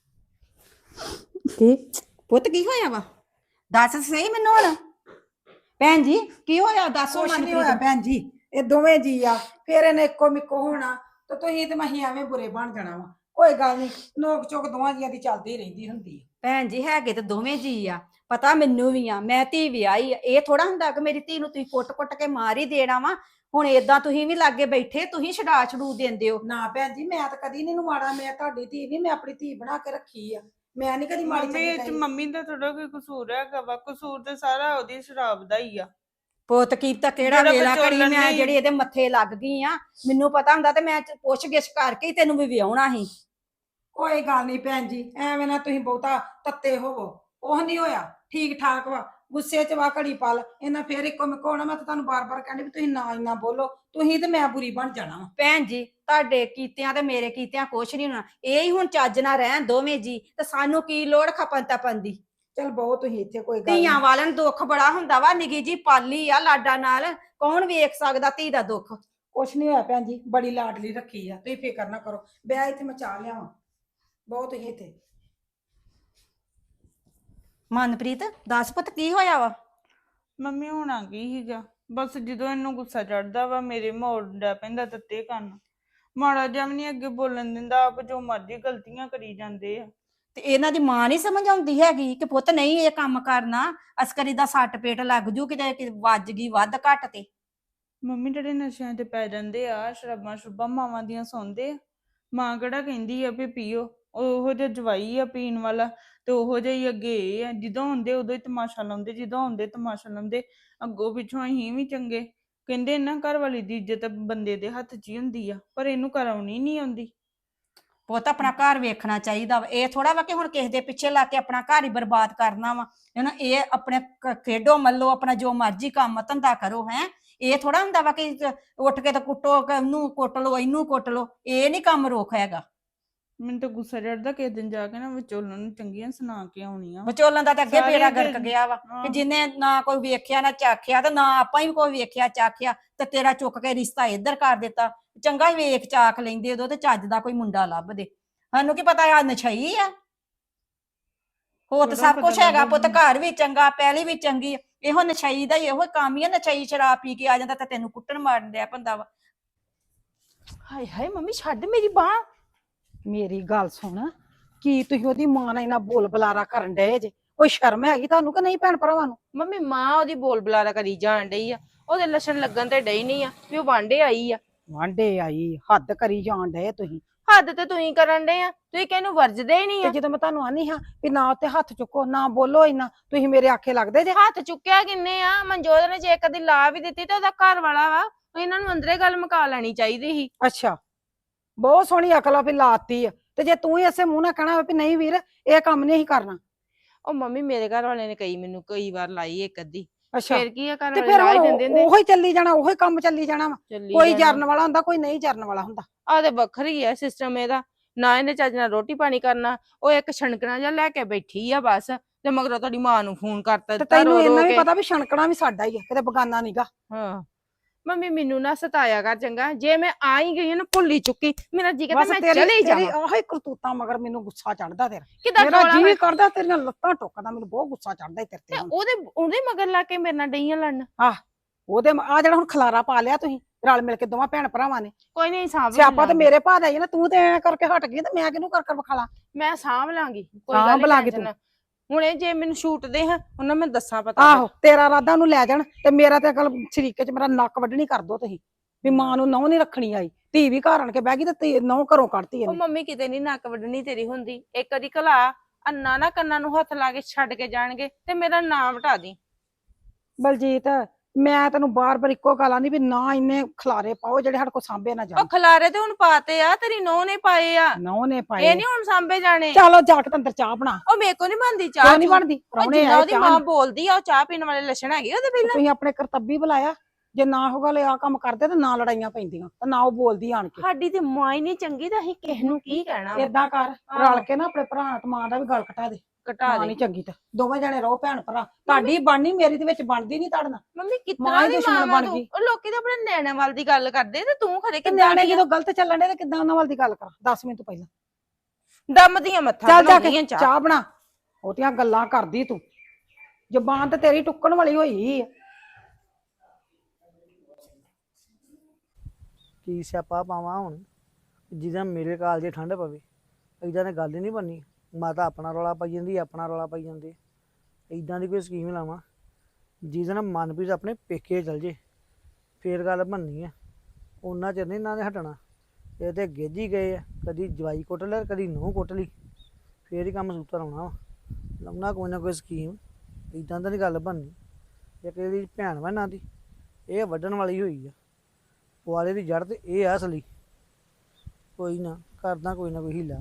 S2: ਕੀ ਪੁੱਤ ਕੀ ਹੋਇਆ ਵਾ? ਦੱਸ ਸਹੀ ਮੈਨੂੰ ਹੁਣ। ਭੈਣ ਜੀ ਕੀ ਹੋਇਆ ਦੱਸੋ।
S6: ਕੁਛ ਨਹੀਂ ਹੋਇਆ ਭੈਣ ਜੀ, ਇਹ ਦੋਵੇਂ ਜੀ ਆ, ਫਿਰ ਇਹਨੇ ਇੱਕੋ ਮਿੱਕੋ ਹੋਣਾ ਤੇ ਤੁਸੀਂ ਤੇ ਮਹੀਂ ਐਵੇਂ ਬੁਰੇ ਬਣ ਜਾਣਾ ਵਾ। ਕੋਈ ਗੱਲ ਨਹੀਂ, ਨੋਕ ਚੋਕ ਦੋਵਾਂ ਜੀਆਂ ਦੀ ਚੱਲਦੀ ਰਹਿੰਦੀ ਹੁੰਦੀ ਹੈ।
S2: ਭੈਣ ਜੀ ਹੈਗੇ ਤੇ ਦੋਵੇਂ ਜੀ ਆ, ਪਤਾ ਮੈਨੂੰ ਵੀ ਆ। ਮੈਂ ਧੀ ਵਿਆਹੀ ਆ। ਇਹ ਥੋੜਾ ਹੁੰਦਾ ਕਿ ਮੇਰੀ ਧੀ ਨੂੰ ਤੁਸੀਂ ਕੁੱਟ-ਕੁੱਟ ਕੇ ਮਾਰ ਹੀ ਦੇਣਾ ਵਾ। ਹੁਣ ਏਦਾਂ ਤੁਸੀਂ ਵੀ ਲਾਗੇ ਬੈਠੇ, ਤੁਸੀਂ ਛਡੂ ਦਿੰਦੇ ਹੋ।
S6: ਨਾ ਭੈਣ ਜੀ, ਮੈਂ ਤਾਂ ਕਦੀ ਨਹੀਂ ਮਾੜਾ। ਮੈਂ ਤੁਹਾਡੀ ਧੀ ਨਹੀਂ, ਮੈਂ ਆਪਣੀ ਧੀ ਬਣਾ ਕੇ ਰੱਖੀ ਆ। ਮੈਂ ਨਹੀਂ ਕਦੀ ਮਾੜੀ
S5: ਮੰਮੀ
S6: ਚੰਗੀ
S5: ਇਹ 'ਚ
S6: ਕਹੀ।
S5: ਮੰਮੀ ਦਾ ਥੋੜਾ ਕੋਈ ਕਸੂਰ ਹੈਗਾ ਵਾ? ਕਸੂਰ ਤੇ ਸਾਰਾ ਉਹਦੀ ਸ਼ਰਾਬ ਦਾ ਹੀ ਆ।
S2: ਪੁੱਤ ਕੀਤਾ ਕਿਹੜਾ
S5: ਜਿਹੜਾ
S2: ਵੇਲਾ
S5: ਵਿਚੋਲਨ
S2: ਘੜੀ ਮੈਂ
S5: ਨੇ-
S2: ਜਿਹੜੀ ਇਹਦੇ ਮੱਥੇ ਲੱਗ ਗਈ ਆ। ਮੈਨੂੰ ਪਤਾ ਹੁੰਦਾ ਤੇ ਮੈਂ ਪੁੱਛ ਗਿੱਛ ਕਰਕੇ ਹੀ ਤੈਨੂੰ ਵੀ ਵਿਆਹੁਣਾ ਸੀ।
S6: ਕੋਈ ਗੱਲ ਨਹੀਂ ਭੈਣ ਜੀ, ਐਵੇਂ ਨਾ ਤੁਸੀਂ ਬਹੁਤਾ ਤੱਤੇ ਹੋਵੋ। ਉਹ ਨਹੀਂ ਹੋਇਆ, ਠੀਕ ਠਾਕ ਵਾ। ਗੁੱਸੇ 'ਚ ਵਾ ਘੜੀ ਪਲ ਇਹਨਾਂ ਫੇਰ ਇੱਕੋ ਮਿੱਕੋ ਹੋਣਾ। ਮੈਂ ਤਾਂ ਤੁਹਾਨੂੰ ਬਾਰ-ਬਾਰ ਕਹਿੰਦੀ ਵੀ ਤੁਸੀਂ ਨਾ ਇੰਨਾ ਬੋਲੋ, ਤੁਸੀਂ ਤੇ ਮੈਂ ਬੁਰੀ ਬਣ ਜਾਣਾ ਵਾ।
S2: ਭੈਣ ਜੀ ਤੁਹਾਡੇ ਕੀਤਿਆਂ ਤੇ ਮੇਰੇ ਕੀਤਿਆਂ ਕੁਛ ਨਹੀਂ ਹੋਣਾ। ਇਹ ਹੀ ਹੁਣ ਚੱਜ ਨਾ ਰਹਿਣ ਦੋਵੇਂ ਜੀ, ਤੇ ਸਾਨੂੰ ਕੀ ਲੋੜ ਖਪਨ ਤਪਨ ਦੀ।
S6: ਚਲ ਬਹੁਤ ਤੁਸੀਂ ਇੱਥੇ, ਕੋਈ ਗੱਲ
S2: ਧੀਆਂ
S6: ਨਹੀਂ।
S2: ਵਾਲਿਆਂ ਨੂੰ ਦੁੱਖ ਬੜਾ ਹੁੰਦਾ ਵਾ। ਨਿੱਕੀ ਜੀ ਪਾਲੀ ਆ ਲਾਡਾ ਨਾਲ, ਕੌਣ ਵੇਖ ਸਕਦਾ ਧੀ ਦਾ ਦੁੱਖ।
S6: ਕੁਛ ਨਹੀਂ ਹੋਇਆ ਭੈਣ ਜੀ, ਬੜੀ ਲਾਡਲੀ ਰੱਖੀ ਆ, ਤੁਸੀਂ ਫਿਕਰ ਨਾ ਕਰੋ। ਵਿਆਹ ਇੱਥੇ ਮੈਂ ਚਾਹ ਲਿਆਵਾਂ, ਬਹੁਤ ਹੀ ਇੱਥੇ।
S2: ਮਨਪ੍ਰੀਤ ਦੱਸ ਪੁੱਤ ਕੀ ਹੋਇਆ ਵਾ?
S5: ਮੰਮੀ ਹੋਣਾ ਕੀ ਸੀਗਾ, ਬਸ ਜਦੋਂ ਇਹਨੂੰ ਗੁੱਸਾ ਚੜਦਾ ਵਾ ਮੇਰੇ ਮੋੜ ਪੈਂਦਾ ਤੱਤੇ ਕੰਨ। ਮਾੜਾ ਜਿਹਾ ਵੀ ਨਹੀਂ ਅੱਗੇ ਬੋਲਣ ਦਿੰਦਾ, ਆਪ ਜੋ ਮਰਜ਼ੀ ਗਲਤੀਆਂ ਕਰੀ ਜਾਂਦੇ ਆ।
S2: ਤੇ ਇਹਨਾਂ ਦੀ ਮਾਂ ਨਹੀਂ ਸਮਝ ਆਉਂਦੀ ਹੈਗੀ ਕਿ ਪੁੱਤ ਨਹੀਂ ਇਹ ਕੰਮ ਕਰਨਾ, ਅਸਕਰੀ ਦਾ ਸੱਟ ਪੇਟ ਲੱਗ ਜੂ ਕਿਤੇ ਵੱਜ ਗਈ ਵੱਧ ਘੱਟ ਤੇ।
S5: ਮੰਮੀ ਜਿਹੜੇ ਨਸ਼ਿਆਂ ਤੇ ਪੈ ਜਾਂਦੇ ਆ, ਸ਼ਰਾਬਾਂ ਸ਼ਰੂਬਾਂ ਮਾਵਾਂ ਦੀਆਂ ਸੌਂਦੇ ਆ। ਮਾਂ ਕਿਹੜਾ ਕਹਿੰਦੀ ਆ ਵੀ ਪੀਓ, ਉਹੋ ਜਿਹਾ ਜਵਾਈ ਆ ਪੀਣ ਵਾਲਾ, ਤੇ ਉਹੋ ਜਿਹਾ ਹੀ ਅੱਗੇ ਇਹ ਆ। ਜਦੋਂ ਹੁੰਦੇ ਉਦੋਂ ਹੀ ਤਮਾਸ਼ਾ ਲਾਉਂਦੇ, ਜਦੋਂ ਹੁੰਦੇ ਤਮਾਸ਼ਾ ਲਾਉਂਦੇ। ਅੱਗੋਂ ਪਿੱਛੋਂ ਅਸੀਂ ਵੀ ਚੰਗੇ। ਕਹਿੰਦੇ ਨਾ ਘਰ ਵਾਲੀ ਦੀ ਇੱਜ਼ਤ ਬੰਦੇ ਦੇ ਹੱਥ 'ਚ ਹੀ ਹੁੰਦੀ ਆ, ਪਰ ਇਹਨੂੰ ਕਰਾਉਣੀ ਨਹੀਂ ਆਉਂਦੀ।
S2: ਪੁੱਤ ਆਪਣਾ ਘਰ ਵੇਖਣਾ ਚਾਹੀਦਾ ਵਾ। ਇਹ ਥੋੜਾ ਵਾ ਕਿ ਹੁਣ ਕਿਸੇ ਦੇ ਪਿੱਛੇ ਲੱਗ ਕੇ ਆਪਣਾ ਘਰ ਹੀ ਬਰਬਾਦ ਕਰਨਾ ਵਾ। ਇਹ ਆਪਣੇ ਖੇਡੋ ਮੱਲੋ, ਆਪਣਾ ਜੋ ਮਰਜ਼ੀ ਕੰਮ ਧੰਦਾ ਕਰੋ। ਇਹ ਥੋੜਾ ਹੁੰਦਾ ਵਾ ਕਿ ਉੱਠ ਕੇ ਤਾਂ ਕੁੱਟੋ, ਉਹਨੂੰ ਕੁੱਟ ਲੋ, ਇਹਨੂੰ ਕੁੱਟ ਲੋ। ਇਹ ਨਹੀਂ ਕੰਮ ਰੋਕ ਹੈਗਾ।
S5: ਮੈਨੂੰ ਤਾਂ ਗੁੱਸਾ ਚੜਦਾ, ਕਿਸੇ ਦਿਨ ਜਾ ਕੇ ਨਾ ਵਿਚੋਲਣ ਨੂੰ ਚੰਗੀਆਂ ਸੁਣਾ ਕੇ ਆਉਣੀਆਂ।
S2: ਵਿਚੋਲਣ ਦਾ ਤਾਂ ਅੱਗੇ
S5: ਸਾਰੇ
S2: ਬੇੜਾ
S5: ਅੱਗੇ-
S2: ਗਰਕ ਗਿਆ ਵਾ
S5: ਹਾਂ।
S2: ਕਿ ਜਿਹਨੇ ਨਾ ਕੋਈ ਵੇਖਿਆ ਨਾ ਚਾਖਿਆ, ਤੇ ਨਾ ਆਪਾਂ ਹੀ ਕੋਈ ਵੇਖਿਆ ਚਾਖਿਆ, ਤੇ ਤੇਰਾ ਚੁੱਕ ਕੇ ਰਿਸ਼ਤਾ ਇੱਧਰ ਕਰ ਦਿੱਤਾ। ਚੰਗਾ ਹੀ ਵੇਖ ਚਾਖ ਲੈਂਦੇ ਉਦੋਂ ਤੇ ਚੱਜ ਦਾ ਕੋਈ ਮੁੰਡਾ ਲੱਭਦੇ। ਸਾਨੂੰ ਕੀ ਪਤਾ ਆ ਨਸ਼ਈ ਆ। ਹੋਰ ਤਾਂ
S5: ਥੋੜ੍ਹਾ
S2: ਸਭ ਕੁਝ
S5: ਪਤਾ
S2: ਹੈਗਾ ਪੁੱਤ,
S5: ਲੱਗਦਾ।
S2: ਘਰ ਵੀ ਚੰਗਾ, ਪਹਿਲੀ ਵੀ ਚੰਗੀ ਆ। ਇਹੋ ਨਸ਼ਈ ਦਾ ਹੀ ਇਹੋ ਕੰਮ ਹੀ ਆ। ਨਸ਼ਈ ਸ਼ਰਾਬ ਪੀ ਕੇ ਆ ਜਾਂਦਾ ਤੇ ਤੈਨੂੰ ਕੁੱਟਣ ਮਾਰਨ ਡਿਆ ਪੰਦਾ ਵਾ।
S3: ਹਾਏ ਹਾਏ ਮੰਮੀ ਛੱਡ ਮੇਰੀ ਬਾਂਹ।
S6: ਮੇਰੀ ਗੱਲ ਸੁਣ, ਕੀ ਤੁਸੀਂ ਉਹਦੀ ਮਾਂ ਨਾਲ ਇੰਨਾ ਬੋਲ ਬੁਲਾਰਾ ਕਰਨ ਡਏ ਜੇ? ਕੋਈ ਸ਼ਰਮ ਹੈਗੀ ਤੁਹਾਨੂੰ ਕਿ ਨਹੀਂ ਭੈਣ ਭਰਾਵਾਂ ਨੂੰ?
S3: ਮੰਮੀ ਮਾਂ ਉਹਦੀ ਬੋਲ ਬੁਲਾਰਾ ਕਰੀ ਜਾਣ ਡਈ ਆ, ਉਹਦੇ ਲੱਛਣ ਲੱਗਣ ਤੇ ਡਈ ਨਹੀਂ ਆ ਵੀ ਉਹ ਵਾਂਡੇ ਆਈ ਆ।
S6: ਵਾਂਡੇ ਆਈ, ਹੱਦ ਕਰੀ ਜਾਣ ਡਏ ਤੁਸੀਂ।
S3: ਹੱਦ ਤੇ ਤੁਸੀਂ ਕਰਨ ਡਏ ਆ, ਤੁਸੀਂ ਕਿਹਨੂੰ ਵਰਜਦੇ ਹੀ ਨਹੀਂ
S6: ਤੇ
S3: ਆ।
S6: ਜਦੋਂ ਮੈਂ ਤੁਹਾਨੂੰ ਆਨੀ ਹਾਂ ਵੀ ਨਾ ਉੱਤੇ ਹੱਥ ਚੁੱਕੋ, ਨਾ ਬੋਲੋ ਇੰਨਾ, ਤੁਸੀਂ ਮੇਰੇ ਆਖੇ ਲੱਗਦੇ ਜੇ।
S3: ਹੱਥ ਚੁੱਕਿਆ ਕਿੰਨੇ ਆ? ਮਨਜੋਤ ਨੇ ਜੇ ਕਦੀ ਲਾ ਵੀ ਦਿੱਤੀ ਤੇ ਉਹਦਾ ਘਰ ਵਾਲਾ ਵਾ, ਇਹਨਾਂ ਨੂੰ ਅੰਦਰੇ ਗੱਲ ਮੁਕਾ ਲੈਣੀ ਚਾਹੀਦੀ ਸੀ।
S6: ਅੱਛਾ, ਬਹੁਤ ਸੋਹਣੀ ਅਕਲ ਆ ਵੀ ਲਾਤੀ ਆ। ਤੇ ਜੇ ਤੂੰ ਹੀ ਐਸੇ ਮੂੰਹ ਨਾਲ ਕਹਿਣਾ ਵੀ ਨਹੀਂ ਵੀਰ ਇਹ ਕੰਮ ਨਹੀਂ ਹੀ ਕਰਨਾ।
S3: ਉਹ ਮੰਮੀ ਮੇਰੇ ਘਰ ਵਾਲੇ ਨੇ ਮੈਨੂੰ ਕਈ ਵਾਰ ਲਾਈ ਇੱਕ ਅੱਧੀ,
S6: ਅੱਛਾ,
S3: ਫਿਰ ਕੀ ਆ ਘਰ
S6: ਤੇ
S3: ਵਾਲੇ
S6: ਫਿਰ
S3: ਲਾ ਹੀ
S6: ਹੁਣ
S3: ਦਿੰਦੇ ਨੇ।
S6: ਉਹੀ ਚੱਲੀ ਜਾਣਾ, ਉਹੀ ਕੰਮ ਚੱਲੀ ਜਾਣਾ ਵਾ।
S3: ਚੱਲੀ
S6: ਕੋਈ
S3: ਜਾਣਾ।
S6: ਜਰਨ ਵਾਲਾ ਹੁੰਦਾ, ਕੋਈ ਨਹੀਂ ਜਰਨ ਵਾਲਾ ਹੁੰਦਾ।
S3: ਆਹ ਤੇ ਵੱਖਰੀ ਆ ਸਿਸਟਮ ਇਹਦਾ। ਨਾ ਇਹਨੇ ਚੱਜ ਨਾਲ ਰੋਟੀ ਪਾਣੀ ਕਰਨਾ, ਉਹ ਇੱਕ ਛਣਕਣਾ ਜਿਹਾ ਲੈ ਕੇ ਬੈਠੀ ਆ ਬਸ, ਤੇ ਮਗਰੋਂ ਤੁਹਾਡੀ ਮਾਂ ਨੂੰ ਫੋਨ ਕਰਤਾ
S6: ਤੇ
S3: ਦਿੱਤਾ
S6: ਤੈਨੂੰ
S3: ਰੋ
S6: ਇੰਨਾ
S3: ਰੋ
S6: ਵੀ
S3: ਕੇ।
S6: ਪਤਾ ਵੀ ਛਣਕਣਾ ਵੀ ਸਾਡਾ ਹੀ ਆ, ਕਿਤੇ ਬਗਾਨਾ ਨੀਗਾ।
S3: ਹਾਂ ਮੰਮੀ ਮੈਨੂੰ ਨਾ ਸਤਾਇਆ ਕਰ ਚੰਗਾ, ਜੇ ਮੈਂ ਆ ਹੀ ਗਈ ਹਾਂ ਨਾ ਭੁੱਲੀ ਚੁੱਕੀ, ਮੇਰਾ ਜੀ ਕਹਿੰਦਾ
S6: ਬਸ
S3: ਮੈਂ
S6: ਤੇਰੀ
S3: ਚਲੇ
S6: ਤੇਰੀ
S3: ਜਾਵਾਂ।
S6: ਆਹੀ ਕਰਤੂਤਾਂ ਮਗਰ ਮੈਨੂੰ ਗੁੱਸਾ ਚੜਦਾ ਤੇਰਾ।
S3: ਕਿਦਾਂ
S6: ਮੇਰਾ
S3: ਟੋਲਾ
S6: ਜੀ ਕਰਦਾ ਤੇਰੀਆਂ ਲੱਤਾਂ ਟੁੱਕਦਾ, ਮੈਨੂੰ ਬਹੁਤ ਗੁੱਸਾ ਚੜਦਾ ਈ ਤੇਰੇ
S3: ਤੇ
S6: ਤੇ ਹੁਣ।
S3: ਉਹਦੇ ਮਗਰ ਲਾ ਕੇ ਮੇਰੇ ਨਾਲ ਡਈਆਂ ਲੜਨ।
S6: ਉਹਦੇ ਆ ਜਿਹੜਾ ਹੁਣ ਖਲਾਰਾ ਪਾ ਲਿਆ ਤੁਸੀਂ ਰਲ ਮਿਲ ਕੇ ਦੋਵਾਂ ਭੈਣ ਭਰਾਵਾਂ ਨੇ।
S3: ਕੋਈ ਨਹੀਂ ਸਾਂਭ
S6: ਸਿਆਪਾ ਤੇ
S3: ਲਾਂਗੀ।
S6: ਮੇਰੇ ਭਾਅ ਦਾ ਹੀ ਨਾ, ਤੂੰ ਤੇ ਐਂ ਕਰਕੇ ਹਟ ਗਈ ਤੇ ਮੈਂ ਕਿਹਨੂੰ ਕਰ ਕਰ ਵਿਖਾਲਾ।
S3: ਮੈਂ ਸਾਂਭ ਲਾਂਗੀ, ਕੋਈ
S6: ਸਾਂਭ
S3: ਗੱਲ ਨੀ
S6: ਲਾਂਗੀ
S3: tension
S6: ਤੂੰ।
S3: ਹੁਣ ਇਹ ਜੇ ਮੈਨੂੰ ਛੂਟ ਦੇ ਹਾਂ ਉਹਨਾਂ ਮੈਂ ਦੱਸਾਂ ਪਤਾ
S6: ਆਹੋ ਤੇਰਾ ਰਾਦਾ ਨੂੰ ਲੈ ਜਾਣ ਤੇ ਮੇਰਾ ਤੇ ਅਕਲ ਸ਼ਰੀਕੇ ਚ ਮੇਰਾ ਨੱਕ ਵੱਢਣੀ ਕਰ ਦੋ ਤੁਸੀਂ ਵੀ ਮਾਂ ਨੂੰ ਨਹੁੰ ਨਹੀਂ ਰੱਖਣੀ ਆਈ, ਧੀ ਵੀ ਘਰ ਆਣ ਕੇ ਬਹਿ ਗਈ ਤੇ ਨਹੁੰ ਘਰੋਂ ਕੱਢਤੀ
S3: ਉਹ
S6: ਇਹਨੇ।
S3: ਮੰਮੀ ਕਿਤੇ ਨਹੀਂ ਨੱਕ ਵੱਢਣੀ ਤੇਰੀ ਹੁੰਦੀ, ਇੱਕ ਵਾਰੀ ਘਲਾ ਅੰਨਾ ਨਾ ਕੰਨਾਂ ਨੂੰ ਹੱਥ ਲਾ ਕੇ ਛੱਡ ਕੇ ਜਾਣਗੇ ਤੇ ਮੇਰਾ ਨਾਮ ਵਟਾ ਦੀ।
S6: ਬਲਜੀਤ ਮੈਂ ਤੈਨੂੰ ਬਾਰ-ਬਾਰ ਇੱਕੋ ਗੱਲ ਆਂਦੀ ਵੀ ਨਾ ਇੰਨੇ ਖਲਾਰੇ ਪਾਓ ਜਿਹੜੇ ਸਾਡੇ ਕੋਲ ਸਾਂਭੇ ਨਾ
S3: ਉਹ
S6: ਜਾਣ।
S3: ਖਲਾਰੇ ਤੇ ਹੁਣ ਪਾਤੇ ਆ, ਤੇਰੀ ਨੋਹ ਨੇ ਪਾਏ ਆ,
S6: ਨਹੁੰ ਨੇ ਪਾਏ।
S3: ਇਹ ਨਹੀਂ ਹੁਣ ਸਾਂਭੇ ਜਾਣੇ।
S6: ਚਲੋ ਜਾ ਕੇ ਅੰਦਰ ਚਾਹ ਬਣਾ।
S3: ਉਹ ਮੇਰੇ ਕੋ ਨਹੀਂ ਬਣਦੀ ਚਾਹ।
S6: ਕਿਉਂ ਨਹੀਂ ਬਣਦੀ?
S3: ਉਹ
S6: ਪ੍ਰਾਹੁਣੇ
S3: ਜਿੰਨਾ
S6: ਆਏ
S3: ਉਹਦੀ
S6: ਚਾਹ
S3: ਮਾਂ
S6: ਨੀ।
S3: ਬੋਲਦੀ ਆ ਉਹ ਚਾਹ ਪੀਣ ਵਾਲੇ ਲੱਛਣ ਹੈਗੇ ਉਹਦੇ ਪਹਿਲਾਂ।
S6: ਤੁਸੀਂ ਆਪਣੇ ਕਰਤੱਬੀ ਬੁਲਾਇਆ, ਜੇ ਨਾ ਹੋਗਾ ਲੈ ਆ ਕੰਮ ਕਰਦੇ ਤੇ ਨਾ ਲੜਾਈਆਂ ਪੈਂਦੀਆਂ ਤੇ ਨਾ ਉਹ ਬੋਲਦੀ ਆਣ ਕੇ।
S3: ਸਾਡੀ ਤੇ ਮਾਂ ਹੀ ਨਹੀਂ ਚੰਗੀ ਤਾਂ ਅਸੀਂ ਕਿਸ ਨੂੰ ਕੀ ਕਹਿਣਾ ਵਾ।
S6: ਏਦਾਂ ਕਰ ਰਲ ਕੇ ਨਾ ਆਪਣੇ ਭਰਾ ਤੇ ਮਾਂ ਦਾ ਵੀ ਗੱਲ ਘਟਾ ਦੇ।
S3: ਘਟਾ
S6: ਮਾਂ
S3: ਦੇ
S6: ਨਹੀਂ ਚੰਗੀ ਤੇ ਦੋਵੇਂ ਜਣੇ ਰਹੋ ਭੈਣ ਭਰਾ, ਤੁਹਾਡੀ ਬਣਨੀ ਮੇਰੀ ਦੇ ਵਿੱਚ ਬਣਦੀ ਨਹੀਂ ਤੁਹਾਡੇ ਨਾਲ।
S3: ਮੰਮੀ
S6: ਮਾਂ
S3: ਕਿਤਨਾ
S6: ਹੀ
S3: ਦੀ
S6: ਦੁਸ਼ਮਣ
S3: ਮਾਂ
S6: ਬਣ
S3: ਤੂੰ?
S6: ਗਈ।
S3: ਉਹ ਲੋਕੀ ਤਾਂ ਆਪਣੇ ਨਿਆਣਿਆਂ ਵੱਲ ਦੀ ਗੱਲ ਕਰਦੇ ਤੇ ਤੂੰ ਖਰੇ
S6: ਤੇ
S3: ਕਿੱਦਾਂ
S6: ਨਿਆਣੇ
S3: ਦੀ ਆ?
S6: ਜਦੋਂ ਗਲਤ ਚੱਲਣ ਦੇ ਤੇ ਕਿੱਦਾਂ ਉਹਨਾਂ ਵੱਲ ਦੀ ਗੱਲ ਕਰਾਂ? 10 ਮਿੰਟ ਪਹਿਲਾਂ
S3: ਦਮ ਦੀਆਂ ਮੱਥਾ
S6: ਚੱਲ ਜਾ
S3: ਬਣਾਉਂਦੀਆਂ
S6: ਕੇ
S3: ਚਾਹ।
S6: ਚਾਹ ਬਣਾ। ਉਹਦੀਆਂ ਗੱਲਾਂ ਕਰਦੀ ਤੂੰ, ਜ਼ਬਾਨ ਤੇ ਤੇਰੀ ਟੁੱਕਣ ਵਾਲੀ ਹੋਈ ਆ।
S1: ਕੀ ਸਿਆਪਾ ਪਾਵਾਂ ਹੁਣ ਜਿਹਦਾ ਮੇਰੇ ਕਾਲ ਜੇ ਠੰਡ ਪਵੇ। ਏਦਾਂ ਦੀ ਗੱਲ ਹੀ ਨਹੀਂ ਬਣਨੀ। ਮਾਤਾ ਆਪਣਾ ਰੌਲਾ ਪਾਈ ਜਾਂਦੀ, ਆਪਣਾ ਰੌਲਾ ਪਾਈ ਜਾਂਦੇ। ਏਦਾਂ ਦੀ ਕੋਈ ਸਕੀਮ ਲਾਵਾਂ ਜਿਹਦੇ ਨਾਲ ਮਨਪ੍ਰੀਤ ਆਪਣੇ ਪੇਕੇ ਚਲ ਜੇ, ਫੇਰ ਗੱਲ ਬਣਨੀ ਆ। ਉਹਨਾਂ ਚਿਰ ਨਹੀਂ ਇਹਨਾਂ ਨੇ ਹਟਣਾ। ਇਹ ਤੇ ਗੇਜੀ ਗਏ ਆ, ਕਦੀ ਜਵਾਈ ਕੁੱਟ ਲਿਆ ਕਦੀ ਨੂੰਹ ਕੁੱਟ ਲਈ, ਫੇਰ ਹੀ ਕੰਮ ਸੂਤਰ ਆਉਣਾ ਵਾ। ਲਾਉਣਾ ਕੋਈ ਨਾ ਕੋਈ ਸਕੀਮ, ਏਦਾਂ ਦੀ ਗੱਲ ਬਣਨੀ। ਇੱਕ ਇਹਦੀ ਭੈਣ ਵਾ ਇਹਨਾਂ ਦੀ, ਇਹ ਵੱਢਣ ਵਾਲੀ ਹੋਈ ਆ ਪੁਆਲੇ ਦੀ ਜੜ, ਤੇ ਇਹ ਆ ਅਸਲੀ। ਕੋਈ ਨਾ ਕਰਦਾ ਕੋਈ ਨਾ ਕੋਈ ਹੀਲਾ।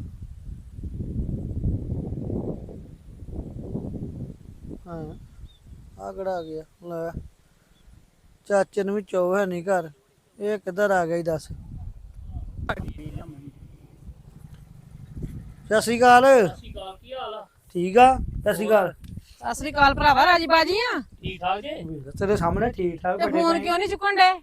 S1: ਹਾਂ ਆ ਕਿਹੜਾ ਆ ਗਿਆ? ਲੈ ਚਾਚੇ ਨੂੰ ਵੀ ਚੋ ਹੈ ਨਹੀਂ ਘਰ, ਇਹ ਕਿੱਧਰ ਆ ਗਿਆ? ਦੱਸ। ਸਤਿ ਸ਼੍ਰੀ ਅਕਾਲ।
S7: ਕੀ ਹਾਲ ਆ?
S1: ਠੀਕ ਆ। ਸਤਿ ਸ਼੍ਰੀ ਅਕਾਲ।
S2: ਸਤਿ ਸ੍ਰੀ ਅਕਾਲ ਭਰਾਵਾ, ਰਾਜੀ ਬਾਜੀ ਆ।
S7: ਠੀਕ ਠਾਕ ਜੇ?
S1: ਤੇਰੇ ਸਾਹਮਣੇ ਠੀਕ ਠਾਕ
S2: ਤੇ
S1: ਬੈਠੇ
S2: ਫੋਨ
S1: ਪਏ।
S2: ਕਿਉਂ ਨਹੀਂ ਚੁੱਕਣ ਡੇ?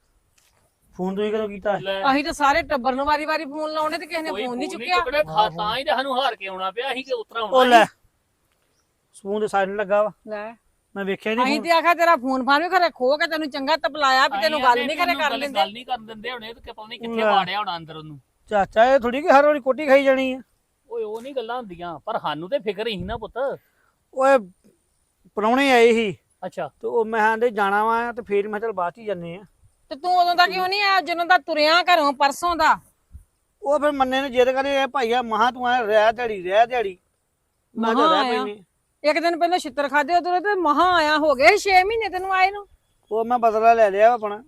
S1: ਫੋਨ ਤੁਸੀਂ ਕਦੋਂ ਕੀਤਾ?
S7: ਲੈ
S2: ਅਸੀਂ ਤਾਂ ਸਾਰੇ ਟੱਬਰ ਨੂੰ ਵਾਰੀ-ਵਾਰੀ ਫੋਨ ਲਾਉਣੇ ਤੇ ਕਿਸੇ ਨੇ
S7: ਕੋਈ
S2: ਫੋਨ ਨਹੀਂ
S7: ਫੋਨ
S2: ਚੁੱਕਿਆ।
S7: ਚੁੱਕਣੇ, ਤਾਂ ਹੀ ਤਾਂ ਸਾਨੂੰ ਹਾਰ ਕੇ ਆਉਣਾ ਪਿਆ। ਅਸੀਂ ਕਿ ਉਤਰਾ
S1: ਉਹ
S7: ਆਉਣਾ
S1: ਲੈ ਫੋਨ ਤੇ ਸਾਈਲੈਂਟ ਲੱਗਾ ਵਾ,
S2: ਲੈ
S1: ਮੈਂ ਵੇਖਿਆ
S2: ਅਸੀਂ
S1: ਨਹੀਂ।
S2: ਤੇ ਆਖਿਆ ਤੇਰਾ ਫੋਨ ਫਾਨ ਵੀ ਖਰੇ ਖੋ ਕੇ ਤੈਨੂੰ ਚੰਗਾ ਤਪਲਾਇਆ ਵੀ ਤੈਨੂੰ ਗੱਲ ਨਹੀਂ ਖਰੇ ਕਰ ਲੈਂਦੇ।
S7: ਗੱਲ ਨਹੀਂ ਕਰਨ ਦਿੰਦੇ ਹੁਣੇ ਤੇ ਪਤਾ ਨਹੀਂ ਕਿੱਥੇ ਵਾੜਿਆ ਹੋਣਾ ਅੰਦਰ ਉਹਨੂੰ।
S1: ਚਾਚਾ ਇਹ ਥੋੜੀ ਕਿ ਹਰ ਵਾਰੀ ਕੋਟੀ ਖਾਈ ਜਾਣੀ ਆ।
S7: ਓਏ ਉਹ ਨਹੀਂ ਗੱਲਾਂ ਹੁੰਦੀਆਂ, ਪਰ ਸਾਨੂੰ ਤੇ ਫਿਕਰ ਹੀ ਨਾ ਪੁੱਤ।
S1: ਓਏ ਪ੍ਰਾਹੁਣੇ ਆਏ ਸੀ
S7: ਅੱਛਾ
S1: ਤੇ ਉਹ ਮੈਂ ਆਂਦੇ ਜਾਣਾ ਵਾ ਤੇ ਫੇਰ ਮੈਂ ਚਲ ਬਾਅਦ ਚ ਹੀ ਜਾਂਦੇ ਆ।
S2: ਤੇ ਤੂੰ ਉਦੋਂ ਦਾ ਕਿਉਂ ਨਹੀਂ ਆਇਆ ਜਦੋਂ ਦਾ ਤੁਰਿਆ ਘਰੋਂ ਪਰਸੋਂ ਦਾ?
S1: ਉਹ ਫਿਰ ਮੰਨੇ ਨੇ ਜਿੱਦ ਕਰੇ ਇਹ ਭਾਈਆ ਮਹਾ ਤੂੰ ਆ ਰਹਿ ਦਿਹਾੜੀ ਮੈਂ ਕਿਹਾ
S2: ਮਹਾਂ
S1: ਰਹਿ
S2: ਆਇਆ।
S1: ਪੈਨੇ।
S2: ਇੱਕ ਦਿਨ ਪਹਿਲਾਂ ਛਿੱਤਰ ਖਾਦੇ ਉਦੋਂ ਤੇ ਮਹਾ ਆਇਆ, ਹੋ ਗਏ 6 ਮਹੀਨੇ ਤੈਨੂੰ ਆਏ ਨੂੰ।
S1: ਉਹ ਮੈਂ ਬਦਲਾ ਲੈ ਲਿਆ ਵਾ ਆਪਣਾ।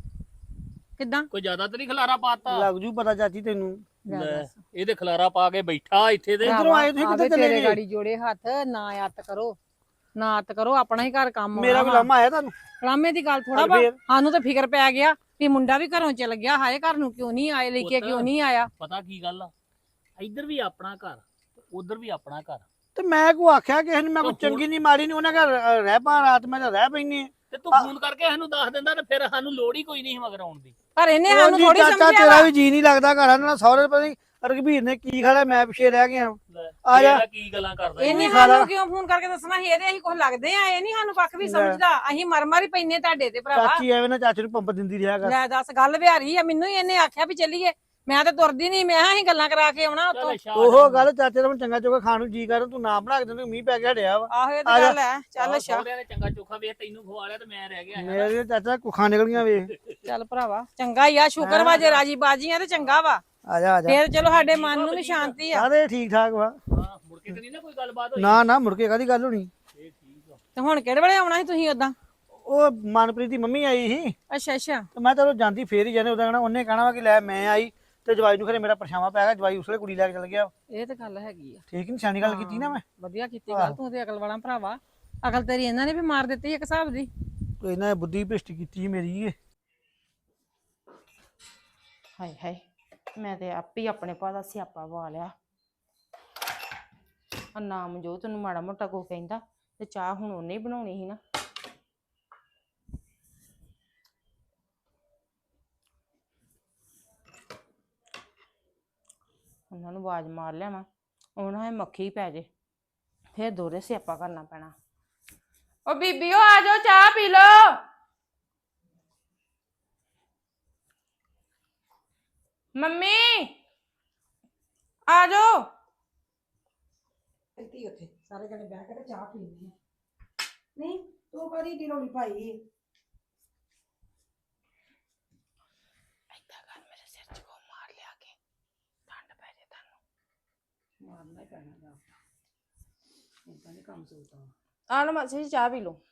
S2: ਕਿੱਦਾਂ?
S7: ਕੋਈ ਜ਼ਿਆਦਾ ਤਾਂ ਨਹੀਂ ਖਲਾਰਾ ਪਾਤਾ?
S1: ਲੱਗ ਜੂ ਪਤਾ ਚਾਚੀ ਤੈਨੂੰ।
S7: ਲੈ ਇਹਦੇ ਖਲਾਰਾ ਪਾ ਕੇ ਬੈਠਾ ਇੱਥੇ ਦੇ।
S1: ਇੱਧਰੋਂ ਆਏ ਤੁਸੀਂ ਕਿੱਥੇ ਚਲੇ
S2: ਤੇਰੇ
S1: ਗਏ?
S2: ਗਾੜੀ ਜੋੜੇ ਹੱਥ, ਨਾ ਅੱਤ ਕਰੋ, ਨਾ ਅੱਤ ਕਰੋ, ਆਪਣਾ ਹੀ ਘਰ ਕੰਮ
S1: ਮੇਰਾ ਵੀ ਲਾਮਾ ਆਇਆ ਤੁਹਾਨੂੰ?
S2: ਲਾਮੇ ਦੀ ਗੱਲ ਥੋੜਾ
S1: ਚੱਲ
S2: ਬਾ
S1: ਫੇਰ।
S2: ਸਾਨੂੰ ਤਾਂ ਫਿਕਰ ਪੈ ਗਿਆ ਵੀ ਮੁੰਡਾ ਵੀ ਘਰੋਂ ਚਲ ਗਿਆ, ਹਾਏ ਘਰ ਨੂੰ ਕਿਉਂ ਨਹੀਂ ਆਏ, ਲੈ ਕੇ
S7: ਪੁੱਤ।
S2: ਕਿਉਂ ਨਹੀਂ ਆਇਆ।
S7: ਪਤਾ ਕੀ ਗੱਲ ਆ, ਇੱਧਰ ਵੀ ਆਪਣਾ ਘਰ ਤੇ ਉਧਰ ਵੀ ਆਪਣਾ ਘਰ।
S1: ਤੇ ਮੈਂ ਕੋ ਆਖਿਆ ਕਿਸੇ ਨੇ, ਮੈਂ ਕੋ
S7: ਹੁਣ-
S1: ਚੰਗੀ ਨਹੀਂ ਮਾੜੀ ਨਹੀਂ, ਉਹਨੇ ਘਰ ਰਹਿ ਪਾ ਰਾਤ, ਮੈਂ ਤਾਂ ਰਹਿ ਪੈਣੀ।
S7: ਤੇ ਤੂੰ ਫੋਨ ਕਰਕੇ ਸਾਨੂੰ ਦੱਸ ਦਿੰਦਾ ਤੇ ਫਿਰ ਸਾਨੂੰ ਲੋੜ ਹੀ ਕੋਈ ਨਹੀਂ ਸੀ ਮਗਰ ਆਉਣ ਦੀ।
S2: ਪਰ ਇਹਨੇ ਸਾਨੂੰ ਥੋੜੀ
S1: ਚਾਚਾ
S2: ਸਮਝਿਆ
S1: ਤੇਰਾ
S2: ਵਾ।
S1: ਵੀ ਜੀ ਨਹੀਂ ਲੱਗਦਾ ਘਰਾਂ ਨਾਲ, ਸਹੁਰੇ ਪਤਾ ਨਹੀਂ ਰਘਬੀਰ ਨੇ ਕੀ ਖਾਣਾ, ਮੈਂ ਪਿੱਛੇ ਰਹਿ ਗਿਆ।
S7: ਲੈ,
S1: ਆ ਜਾ।
S7: ਇਹਦਾ ਕੀ ਗੱਲਾਂ ਕਰਦਾ
S2: ਇਹਨੇ
S1: ਖਾ ਲਾ।
S2: ਸਾਨੂੰ ਕਿਉਂ ਫੋਨ ਕਰਕੇ ਦੱਸਣਾ ਸੀ? ਇਹਦੇ ਅਸੀਂ ਕੁਝ ਲੱਗਦੇ ਆ? ਇਹ ਨਹੀਂ ਸਾਨੂੰ ਪੱਖ ਵੀ ਸਮਝਦਾ। ਅਸੀਂ ਮਰ ਹੀ ਪੈਨੇ ਤੁਹਾਡੇ ਤੇ ਭਰਾਵਾ।
S1: ਚਾਚੀ ਐਵੇਂ ਨਾ ਚਾਚੇ ਨੂੰ ਪੰਪ ਦਿੰਦੀ ਰਿਹਾ ਕਰ।
S2: ਲੈ ਦੱਸ, ਗੱਲ ਵਿਹਾਰੀ ਆ। ਮੈਨੂੰ ਹੀ ਇਹਨੇ ਆਖਿਆ ਵੀ ਚੱਲੀਏ, ਮੈਂ ਤਾਂ ਤੁਰਦੀ ਨਹੀਂ, ਮੈਂ ਕਿਹਾ ਅਸੀਂ ਗੱਲਾਂ ਕਰਾ ਕੇ ਆਉਣਾ ਉੱਥੋਂ।
S7: ਚੱਲ ਅੱਛਾ
S1: ਉਹ ਗੱਲ ਚਾਚੇ ਦਾ ਚੰਗਾ ਚੋਗਾ ਖਾਣ ਨੂੰ ਜੀ ਕਰ, ਤੂੰ ਨਾ ਬਣਾ ਕੇ ਦਿੰਦੇ, ਮੀਂਹ ਪੈ ਗਿਆ ਹਟਿਆ ਵਾ।
S2: ਆਹੋ ਇਹ
S1: ਆ
S2: ਤਾਂ
S1: ਜਾ।
S2: ਗੱਲ ਹੈ। ਚੱਲ ਅੱਛਾ,
S7: ਸਹੁਰਿਆਂ ਨੇ ਚੰਗਾ ਚੋਖਾ ਵੇਖ ਤੈਨੂੰ ਖਵਾ ਲਿਆ ਤੇ ਮੈਂ ਰਹਿ ਗਿਆ।
S1: ਮੇਰੇ ਚਾਚਾ ਕੁੱਖਾਂ ਨਿਕਲੀਆਂ ਵੇਖ।
S2: ਚੱਲ ਭਰਾਵਾ ਚੰਗਾ ਹੀ ਆ, ਸ਼ੁਕਰ ਵਾ ਜੇ ਰਾਜੀ ਬਾਜੀ ਆ ਤੇ ਚੰਗਾ ਵਾ।
S1: ਆ ਜਾ ਆ ਜਾ।
S2: ਫੇਰ ਚਲੋ ਸਾਡੇ ਮਨ ਨੂੰ ਵੀ ਸ਼ਾਂਤੀ ਆ।
S1: ਸਾਰੇ ਠੀਕ ਠਾਕ ਵਾ।
S7: ਹਾਂ ਮੁੜ ਕੇ ਤੇ ਨਹੀਂ ਨਾ ਕੋਈ ਗੱਲਬਾਤ ਹੋਈ?
S1: ਨਾ ਮੁੜ ਕੇ ਕਾਹਦੀ ਗੱਲ ਹੋਣੀ।
S7: ਇਹ ਠੀਕ ਆ।
S2: ਤੇ ਹੁਣ ਕਿਹੜੇ ਵੇਲੇ ਆਉਣਾ ਸੀ ਤੁਸੀਂ ਉਦਾਂ?
S1: ਉਹ ਮਨਪ੍ਰੀਤ ਦੀ ਮੰਮੀ ਆਈ ਸੀ
S2: ਅੱਛਾ ਅੱਛਾ।
S1: ਤੇ ਮੈਂ ਚਲੋ ਜਾਂਦੀ ਫੇਰ ਹੀ ਜਾਣੇ, ਉਹਦਾ ਕਹਿਣਾ, ਉਹਨੇ ਕਹਿਣਾ ਵਾ ਕਿ ਲੈ ਮੈਂ ਆਈ ਤੇ ਜਵਾਈ ਨੂੰ ਖਰੇ ਮੇਰਾ ਪਰਛਾਵਾਂ ਪੈ ਗਿਆ, ਜਵਾਈ ਉਸਲੇ ਕੁੜੀ ਲੈ ਕੇ ਚਲ ਗਿਆ।
S2: ਇਹ ਤਾਂ ਗੱਲ ਹੈਗੀ ਆ।
S1: ਠੀਕ ਨਿਸ਼ਾਨੀ ਗੱਲ ਕੀਤੀ ਨਾ ਮੈਂ।
S2: ਵਧੀਆ ਕੀਤੀ ਗੱਲ, ਤੂੰ ਤੇ ਅਕਲ ਵਾਲਾ ਭਰਾਵਾ। ਅਕਲ ਤੇਰੀ ਇਹਨਾਂ ਨੇ ਵੀ ਮਾਰ ਦਿੱਤੀ ਇੱਕ ਹਿਸਾਬ ਦੀ।
S1: ਕੋਈ ਇਹਨਾਂ ਨੇ ਬੁੱਧੀ ਭ੍ਰਿਸ਼ਟ ਕੀਤੀ ਮੇਰੀ ਇਹ।
S3: ਹਾਏ ਹਾਏ, ਮੈਂ ਤੇ ਆਪ ਹੀ ਆਪਣੇ ਭਾ ਦਾ ਸਿਆਪਾ ਵਾ ਲਿਆ। ਆ ਨਾਮ ਜੋ ਤੈਨੂੰ ਮਾੜਾ ਮੋਟਾ ਕੋ ਕਹਿੰਦਾ ਤੇ ਚਾਹ ਹੁਣ ਉਹਨੇ ਹੀ ਬਣਾਉਣੀ ਸੀ ਨਾ। ਉਹਨਾਂ ਨੂੰ ਆਵਾਜ਼ ਮਾਰ ਲਿਆਵਾਂ, ਉਹਨਾਂ ਨੇ ਮੱਖੀ ਪੈ ਜੇ, ਫੇਰ ਦੋਹਰੇ ਸਿਆਪਾ ਕਰਨਾ ਪੈਣਾ। ਓ ਬੀਬੀਓ ਆ ਜਾਓ, ਚਾਹ ਪੀ ਲਓ। ਮੰਮੀ ਆ ਜਾਓ।
S6: ਇੱਥੇ ਉੱਥੇ ਸਾਰੇ ਜਣੇ ਬਹਿ ਕੇ ਤੇ ਚਾਹ ਪੀਂਦੇ ਆ। ਨਹੀਂ ਤੂੰ ਕਦੀ ਦੀ ਰੋਲੀ ਪਾਈ
S3: ਏਦਾਂ ਕਰ, ਮੇਰੇ ਸਿਰ 'ਚ ਕੋ ਮਾਰ ਲਿਆ ਕੇ, ਠੰਡ ਪੈ ਜੇ ਤੁਹਾਨੂੰ।
S6: ਮਾਰਨਾ ਹੀ ਪੈਣਾ ਜਾ, ਇਦਾਂ ਨਹੀਂ ਕੰਮ ਚੱਲਦਾ।
S3: ਆ ਲਓ ਮਾਸੀ ਜੀ, ਚਾਹ ਪੀ ਲਓ।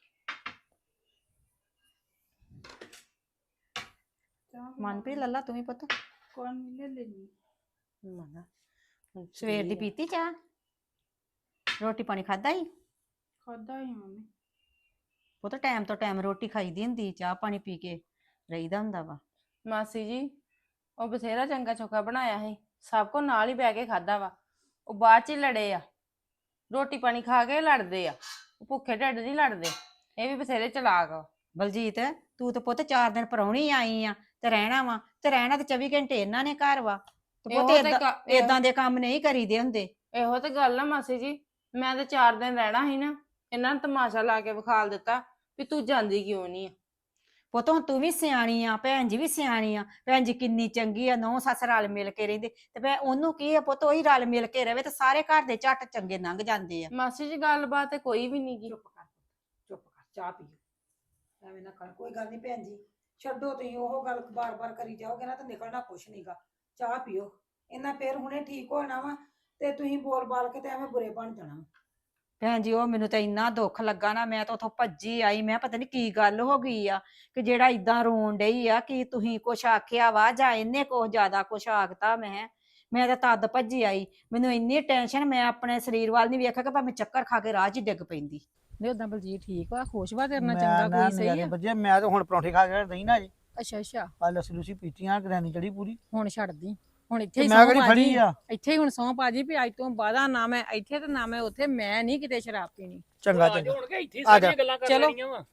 S2: ਮਨਪ੍ਰੀਤ ਲੱਲਾ ਤੂੰ ਵੀ ਪੁੱਤ
S5: ਕੌਣ ਮਿਲੇ ਲੈਣੀ
S2: ਮਨਾ ਸਵੇਰ ਦੀ ਪੀਤੀ ਚਾਹ, ਰੋਟੀ ਪਾਣੀ ਖਾਦਾ ਹੀ
S5: ਖਾਦਾ ਹੀ ਮੰਮੀ।
S2: ਪੁੱਤ ਟਾਈਮ ਤੋਂ ਟਾਈਮ ਰੋਟੀ ਖਾਈਦੀ ਹੁੰਦੀ, ਚਾਹ ਪਾਣੀ ਪੀ ਕੇ ਰਹੀਦਾ ਹੁੰਦਾ ਵਾ।
S3: ਮਾਸੀ ਜੀ ਉਹ ਬਥੇਰਾ ਚੰਗਾ ਚੋਖਾ ਬਣਾਇਆ ਸੀ, ਸਭ ਕੋ ਨਾਲ ਹੀ ਬਹਿ ਕੇ ਖਾਦਾ ਵਾ। ਉਹ ਬਾਅਦ ਚ ਹੀ ਲੜੇ ਆ, ਰੋਟੀ ਪਾਣੀ ਖਾ ਕੇ ਲੜਦੇ ਆ, ਉਹ ਭੁੱਖੇ ਢਿੱਡ ਨਹੀਂ ਲੜਦੇ। ਇਹ ਵੀ ਬਥੇਰੇ ਚਲਾਕ ਆ।
S2: ਬਲਜੀਤ ਤੂੰ ਤੇ ਪੁੱਤ 4 ਦਿਨ ਪ੍ਰਾਹੁਣੀ ਆਈ ਆ ਤੇ ਰਹਿਣਾ ਵਾ, ਤੇ ਰਹਿਣਾ ਤੇ 24 ਘੰਟੇ ਇਹਨਾਂ ਨੇ ਘਰ ਵਾ, ਤੇ ਪੁੱਤ ਏਦਾਂ ਦੇ ਕੰਮ ਨਹੀਂ ਕਰੀਦੇ ਹੁੰਦੇ।
S3: ਇਹੋ ਤੇ ਗੱਲ ਆ ਮਾਸੀ ਜੀ, ਮੈਂ ਤਾਂ 4 ਦਿਨ ਰਹਿਣਾ ਸੀ ਨਾ, ਇਹਨਾਂ ਨੇ ਤਮਾਸ਼ਾ ਲਾ ਕੇ ਵਿਖਾਲ ਦਿੱਤਾ ਵੀ ਤੂੰ ਜਾਂਦੀ ਕਿਉਂ ਨਹੀਂ ਆ।
S2: ਪੁੱਤ ਹੁਣ ਤੂੰ ਵੀ ਸਿਆਣੀ ਆ, ਭੈਣ ਜੀ ਵੀ ਸਿਆਣੀ ਆ, ਭੈਣ ਜੀ ਕਿੰਨੀ ਚੰਗੀ ਆ, ਨੌ ਸੱਸ ਰਲ ਮਿਲ ਕੇ ਰਹਿੰਦੇ, ਤੇ ਮੈਂ ਉਹਨੂੰ ਕੀ ਆ ਪੁੱਤ, ਉਹੀ ਰਲ ਮਿਲ ਕੇ ਰਵੇ ਤੇ ਸਾਰੇ ਘਰ ਦੇ ਝੱਟ ਚੰਗੇ ਲੰਘ ਜਾਂਦੇ ਆ।
S3: ਮਾਸੀ ਜੀ ਗੱਲਬਾਤ ਤੇ ਕੋਈ ਵੀ ਨਹੀਂ ਗੀ।
S6: ਚੁੱਪ ਕਰ ਚੁੱਪ ਕਰ, ਚਾਹ ਪੀਓ, ਐਵੇਂ ਨਾ ਕਰ। ਕੋਈ ਗੱਲ ਨਹੀਂ ਭੈਣ ਜੀ, ਛੱਡੋ ਤੁਸੀਂ ਉਹ ਗੱਲ ਬਾਰ-ਬਾਰ ਕਰੀ ਜਾਓਗੇ ਨਾ ਤਾਂ ਨਿਕਲਣਾ ਕੁਛ ਨਹੀਂਗਾ। ਚਾਹ ਪੀਓ, ਇਹਨਾਂ ਫੇਰ ਹੁਣੇ ਠੀਕ ਹੋਣਾ ਵਾ ਤੇ ਤੁਸੀਂ ਬੋਲ ਬਾਲ ਕੇ ਤੇ ਐਵੇਂ ਬੁਰੇ ਬਣ ਜਾਣਾ।
S2: ਭੈਣ ਜੀ ਉਹ ਮੈਨੂੰ ਤਾਂ ਇੰਨਾ ਦੁੱਖ ਲੱਗਾ ਨਾ, ਮੈਂ ਤਾਂ ਉੱਥੋਂ ਭੱਜੀ ਆਈ, ਮੈਂ ਪਤਾ ਨਹੀਂ ਕੀ ਗੱਲ ਹੋ ਗਈ ਆ ਕਿ ਜਿਹੜਾ ਇਦਾਂ ਰੋਣ ਡਈ ਆ, ਕਿ ਤੁਸੀਂ ਕੁਛ ਆਖਿਆ ਵਾ ਜਾਂ ਇਹਨੇ ਕੁਛ ਜ਼ਿਆਦਾ ਕੁਛ ਆਖਤਾ। ਮੈਂ ਤਾਂ ਤਦ ਭੱਜੀ ਆਈ, ਮੈਨੂੰ ਇੰਨੀ ਟੈਨਸ਼ਨ, ਮੈਂ ਆਪਣੇ ਸਰੀਰ ਵੱਲ ਨਹੀਂ ਵੇਖਿਆ ਕਿ ਭਾਵੇਂ ਚੱਕਰ ਖਾ ਕੇ ਰਾਹ 'ਚ ਹੀ ਡਿੱਗ ਪੈਂਦੀ।
S8: ਨਹੀਂ ਉਦਾਂ ਬਲਜੀਤ ਠੀਕ ਵਾ, ਖੁਸ਼ ਵਾ ਤੇਰੇ ਨਾਲ,
S1: ਮੈਂ
S8: ਚੰਗਾ
S1: ਨਾ
S8: ਕੋਈ ਸਹੀ
S1: ਨਜ਼ਾਰੇ
S8: ਆ।
S1: ਬੱਜੇ, ਮੈਂ ਤਾਂ ਹੁਣ ਪਰੌਂਠੇ ਖਾ ਕੇ ਨਹੀਂ ਨਾ ਜੀ,
S8: ਅੱਛਾ ਅੱਛਾ,
S1: ਆ ਲੱਸੀ ਲੂਸੀ ਪੀਤੀਆਂ, ਗ੍ਰੈਨੀ ਚੜੀ ਪੂਰੀ।
S8: ਹੁਣ ਛੱਡਦੀ, ਹੁਣ ਇੱਥੇ
S1: ਤੇ
S8: ਹੀ
S1: ਮੈਂ
S8: ਸਹੁੰ
S1: ਕਿਹੜੀ
S8: ਪਾ
S1: ਫੜੀ
S8: ਜੀ,
S1: ਆ।
S8: ਇੱਥੇ ਹੀ ਹੁਣ ਸਹੁੰ ਪਾ ਜੀ ਵੀ ਅੱਜ ਤੋਂ ਬਾਅਦ ਨਾ ਮੈਂ ਇੱਥੇ ਤੇ ਨਾ ਮੈਂ ਉੱਥੇ, ਮੈਂ ਨਹੀਂ ਕਿਤੇ ਸ਼ਰਾਬ ਪੀਣੀ।
S1: ਚੰਗਾ ਚੰਗਾ,
S7: ਹੁਣ ਕਿ ਇੱਥੇ
S1: ਆ ਜਾ।
S7: ਸਾਰੀਆਂ ਗੱਲਾਂ ਕਰ
S8: ਚਲੋ।
S7: ਲੈਣੀਆਂ ਵਾ।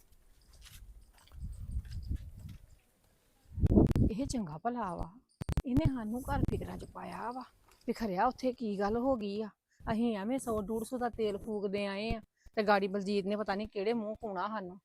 S8: ਇਹ ਚੰਗਾ ਭਲਾ ਵਾ, ਇਹਨੇ ਸਾਨੂੰ ਘਰ ਫਿਕਰਾਂ ਚ ਪਾਇਆ ਵਾ ਵੀ ਖਰਿਆ ਉੱਥੇ ਕੀ ਗੱਲ ਹੋ ਗਈ ਆ। ਅਸੀਂ ਐਵੇਂ 100-150 ਦਾ ਤੇਲ ਫੂਕਦੇ ਆਏ ਆ ਤੇ ਗਾੜੀ ਬਲਜੀਤ ਨੇ ਪਤਾ ਨਹੀਂ ਕਿਹੜੇ ਮੂੰਹ ਪਾਉਣਾ ਸਾਨੂੰ।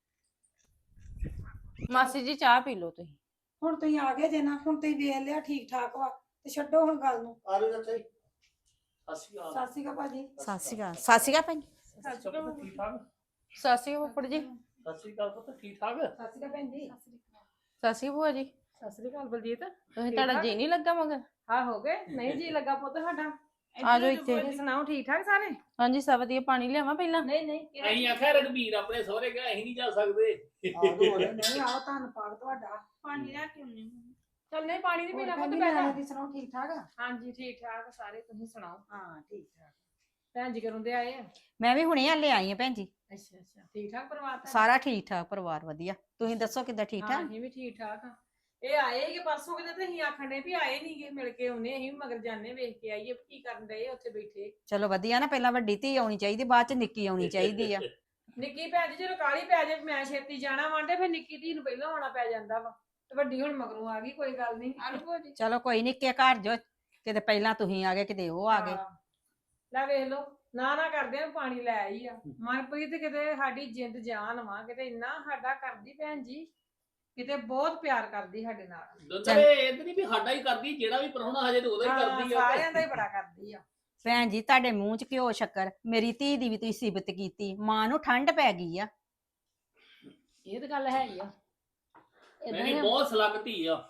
S3: ਮਾਸੀ ਜੀ ਚਾਹ ਪੀ ਲਓ ਤੁਸੀਂ।
S6: ਹੁਣ ਤੁਸੀਂ ਆ ਗਏ ਜੇ ਨਾ, ਹੁਣ ਤੁਸੀਂ ਵੇਖ ਲਿਆ ਠੀਕ ਠਾਕ ਵਾ ਤੇ ਛੱਡੋ ਹੁਣ ਗੱਲ ਨੂੰ।
S1: ਆ ਲਓ ਚਾਚਾ ਜੀ।
S6: ਸਤਿ ਸ਼੍ਰੀ ਅਕਾਲ ਭਾਜੀ।
S2: ਸਤਿ ਸ਼੍ਰੀ ਅਕਾਲ, ਸਤਿ ਸ਼੍ਰੀ ਅਕਾਲ ਭੈਣ ਜੀ।
S7: ਠੀਕ ਠਾਕ,
S3: ਸਾਸੀ ਫੁੱਫੜ ਜੀ।
S7: ਸਤਿ ਸ਼੍ਰੀ ਅਕਾਲ ਪੁੱਤ, ਠੀਕ ਠਾਕ।
S6: ਸਤਿ ਸ਼੍ਰੀ ਅਕਾਲ ਭੈਣ ਜੀ।
S3: ਸਾਸੀ ਭੂਆ ਜੀ।
S8: ਸਤਿ ਸ੍ਰੀ ਅਕਾਲ ਬਲਜੀਤ।
S3: ਤੁਸੀਂ ਤੁਹਾਡਾ ਜੀ ਨਹੀਂ ਲੱਗਾ ਮਗਰ?
S8: ਹਾਂ ਹੋ ਗਏ, ਨਹੀਂ ਜੀ ਲੱਗਾ ਪੁੱਤ ਸਾਡਾ।
S3: ਆ ਜਾਓ ਇੱਥੇ।
S8: ਤੁਸੀਂ ਸੁਣਾਓ ਠੀਕ ਠਾਕ ਸਾਰੇ?
S3: ਹਾਂਜੀ ਸਭ ਵਧੀਆ। ਪਾਣੀ ਲਿਆਵਾਂ ਪਹਿਲਾਂ?
S8: ਨਹੀਂ
S7: ਅਸੀਂ ਆਖਿਆ ਰਘਬੀਰ ਆਪਣੇ ਸਹੁਰੇ ਗਿਆ, ਅਸੀਂ ਨਹੀਂ ਜਾ ਸਕਦੇ।
S6: ਨਹੀਂ ਆਓ, ਧੰਨਵਾਦ ਤੁਹਾਡਾ।
S8: ਪਾਣੀ ਲੈ ਕੇ ਆਉਣੀ। ਚੱਲ ਨਹੀਂ ਪਾਣੀ ਨਹੀਂ ਪੀਣਾ ਪੁੱਤ,
S6: ਭੈਣ ਜੀ,
S8: ਬੈਠਾ।
S6: ਨਿਆਣੇ ਦੀ ਸੁਣਾਓ ਠੀਕ ਠਾਕ ਆ?
S8: ਹਾਂਜੀ ਠੀਕ ਠਾਕ ਸਾਰੇ, ਤੁਸੀਂ ਸੁਣਾਓ?
S6: ਹਾਂ ਠੀਕ ਠਾਕ।
S8: ਭੈਣ ਜੀ ਕਦੋਂ ਦੇ ਆਏ ਆ?
S2: ਮੈਂ ਵੀ ਹੁਣੇ ਹਲੇ ਆਈ ਆ ਭੈਣ ਜੀ।
S8: ਅੱਛਾ ਅੱਛਾ, ਠੀਕ ਠਾਕ ਪਰਿਵਾਰ ਤਾਂ?
S2: ਸਾਰਾ ਠੀਕ ਠਾਕ ਪਰਿਵਾਰ ਵਧੀਆ, ਤੁਸੀਂ ਦੱਸੋ ਕਿੱਦਾਂ ਠੀਕ
S8: ਹਾਂ
S2: ਠਾਕ?
S8: ਅਸੀਂ ਵੀ ਠੀਕ ਠਾਕ ਆ। ਇਹ ਆਏ ਕਿ ਪਰਸੋਂ ਕਿਤੇ ਤੇ ਅਸੀਂ ਆਖਣ ਦੇ ਵੀ ਆਏ ਨਹੀਂਗੇ, ਮਿਲ ਕੇ ਆਉਨੇ, ਅਸੀਂ ਵੀ ਮਗਰ ਜਾਣੇ, ਵੇਖ ਕੇ ਆਈਏ ਕੀ ਕਰਨ ਡਏ ਉੱਥੇ ਬੈਠੇ।
S2: ਚਲੋ ਵਧੀਆ ਨਾ, ਪਹਿਲਾਂ ਵੱਡੀ ਧੀ ਆਉਣੀ ਚਾਹੀਦੀ, ਬਾਅਦ ਚ ਨਿੱਕੀ ਆਉਣੀ ਚਾਹੀਦੀ ਆ।
S8: ਨਿੱਕੀ ਭੈਣ ਜੀ ਜਦੋਂ ਕਾਲੀ ਪੈ ਜਾਏ ਮੈਂ ਛੇਤੀ ਜਾਣਾ ਵਾਂਡੇ, ਫਿਰ ਨਿੱਕੀ ਧੀ ਨੂੰ ਪਹਿਲਾਂ ਆਉਣਾ ਪੈ ਜਾਂਦਾ ਵਾ, ਤੇ ਵੱਡੀ ਹੁਣ ਮਗਰੋਂ ਆ ਗਈ, ਕੋਈ ਗੱਲ ਨਹੀਂ।
S2: ਚਲੋ ਕੋਈ ਨੀ, ਕਿ ਘਰ ਜੋ ਕਿਤੇ ਪਹਿਲਾਂ ਤੁਸੀਂ ਆ ਗਏ, ਕਿਤੇ ਉਹ ਆ ਗਏ।
S8: ਲੈ ਵੇਖ ਲੋ, ਨਾ ਕਰਦੇ ਆ, ਪਾਣੀ ਲੈ ਆਈ ਆ। ਮਨਪ੍ਰੀਤ ਕਿਤੇ ਸਾਡੀ ਜਿੰਦ ਜਾਨ ਵਾ, ਕਿਤੇ ਇੰਨਾ ਸਾਡਾ ਕਰਦੀ ਭੈਣ ਜੀ, ਕਿਤੇ ਬਹੁਤ ਪਿਆਰ ਕਰਦੀ ਸਾਡੇ ਨਾਲ।
S7: ਦੁੱਧਰੇ ਇਹ ਤਾਂ ਨਹੀਂ ਵੀ ਸਾਡਾ ਹੀ ਕਰਦੀ, ਜਿਹੜਾ ਵੀ ਪ੍ਰਾਹੁਣਾ ਹਜੇ ਤੇ ਉਹਦਾ ਹੀ ਕਰਦੀ ਆ।
S8: ਸਾਰਿਆਂ ਦਾ ਹੀ ਬੜਾ ਕਰਦੀ ਆ।
S2: ਭੈਣ ਜੀ ਤੁਹਾਡੇ ਮੂੰਹ ਚ ਘਿਓ ਸ਼ੱਕਰ, ਮੇਰੀ ਧੀ ਦੀ ਵੀ ਤੁਸੀਂ ਸਿਫਤ ਕੀਤੀ, ਮਾਂ ਨੂੰ ਠੰਡ ਪੈ ਗਈ ਆ।
S8: ਇਹ ਤਾਂ ਗੱਲ ਹੈਗੀ ਆ। ਏਦਾਂ ਹੀ
S7: ਨਹੀਂ
S8: ਆ,
S7: ਬਹੁਤ ਸਲਾਮਤੀ ਆ।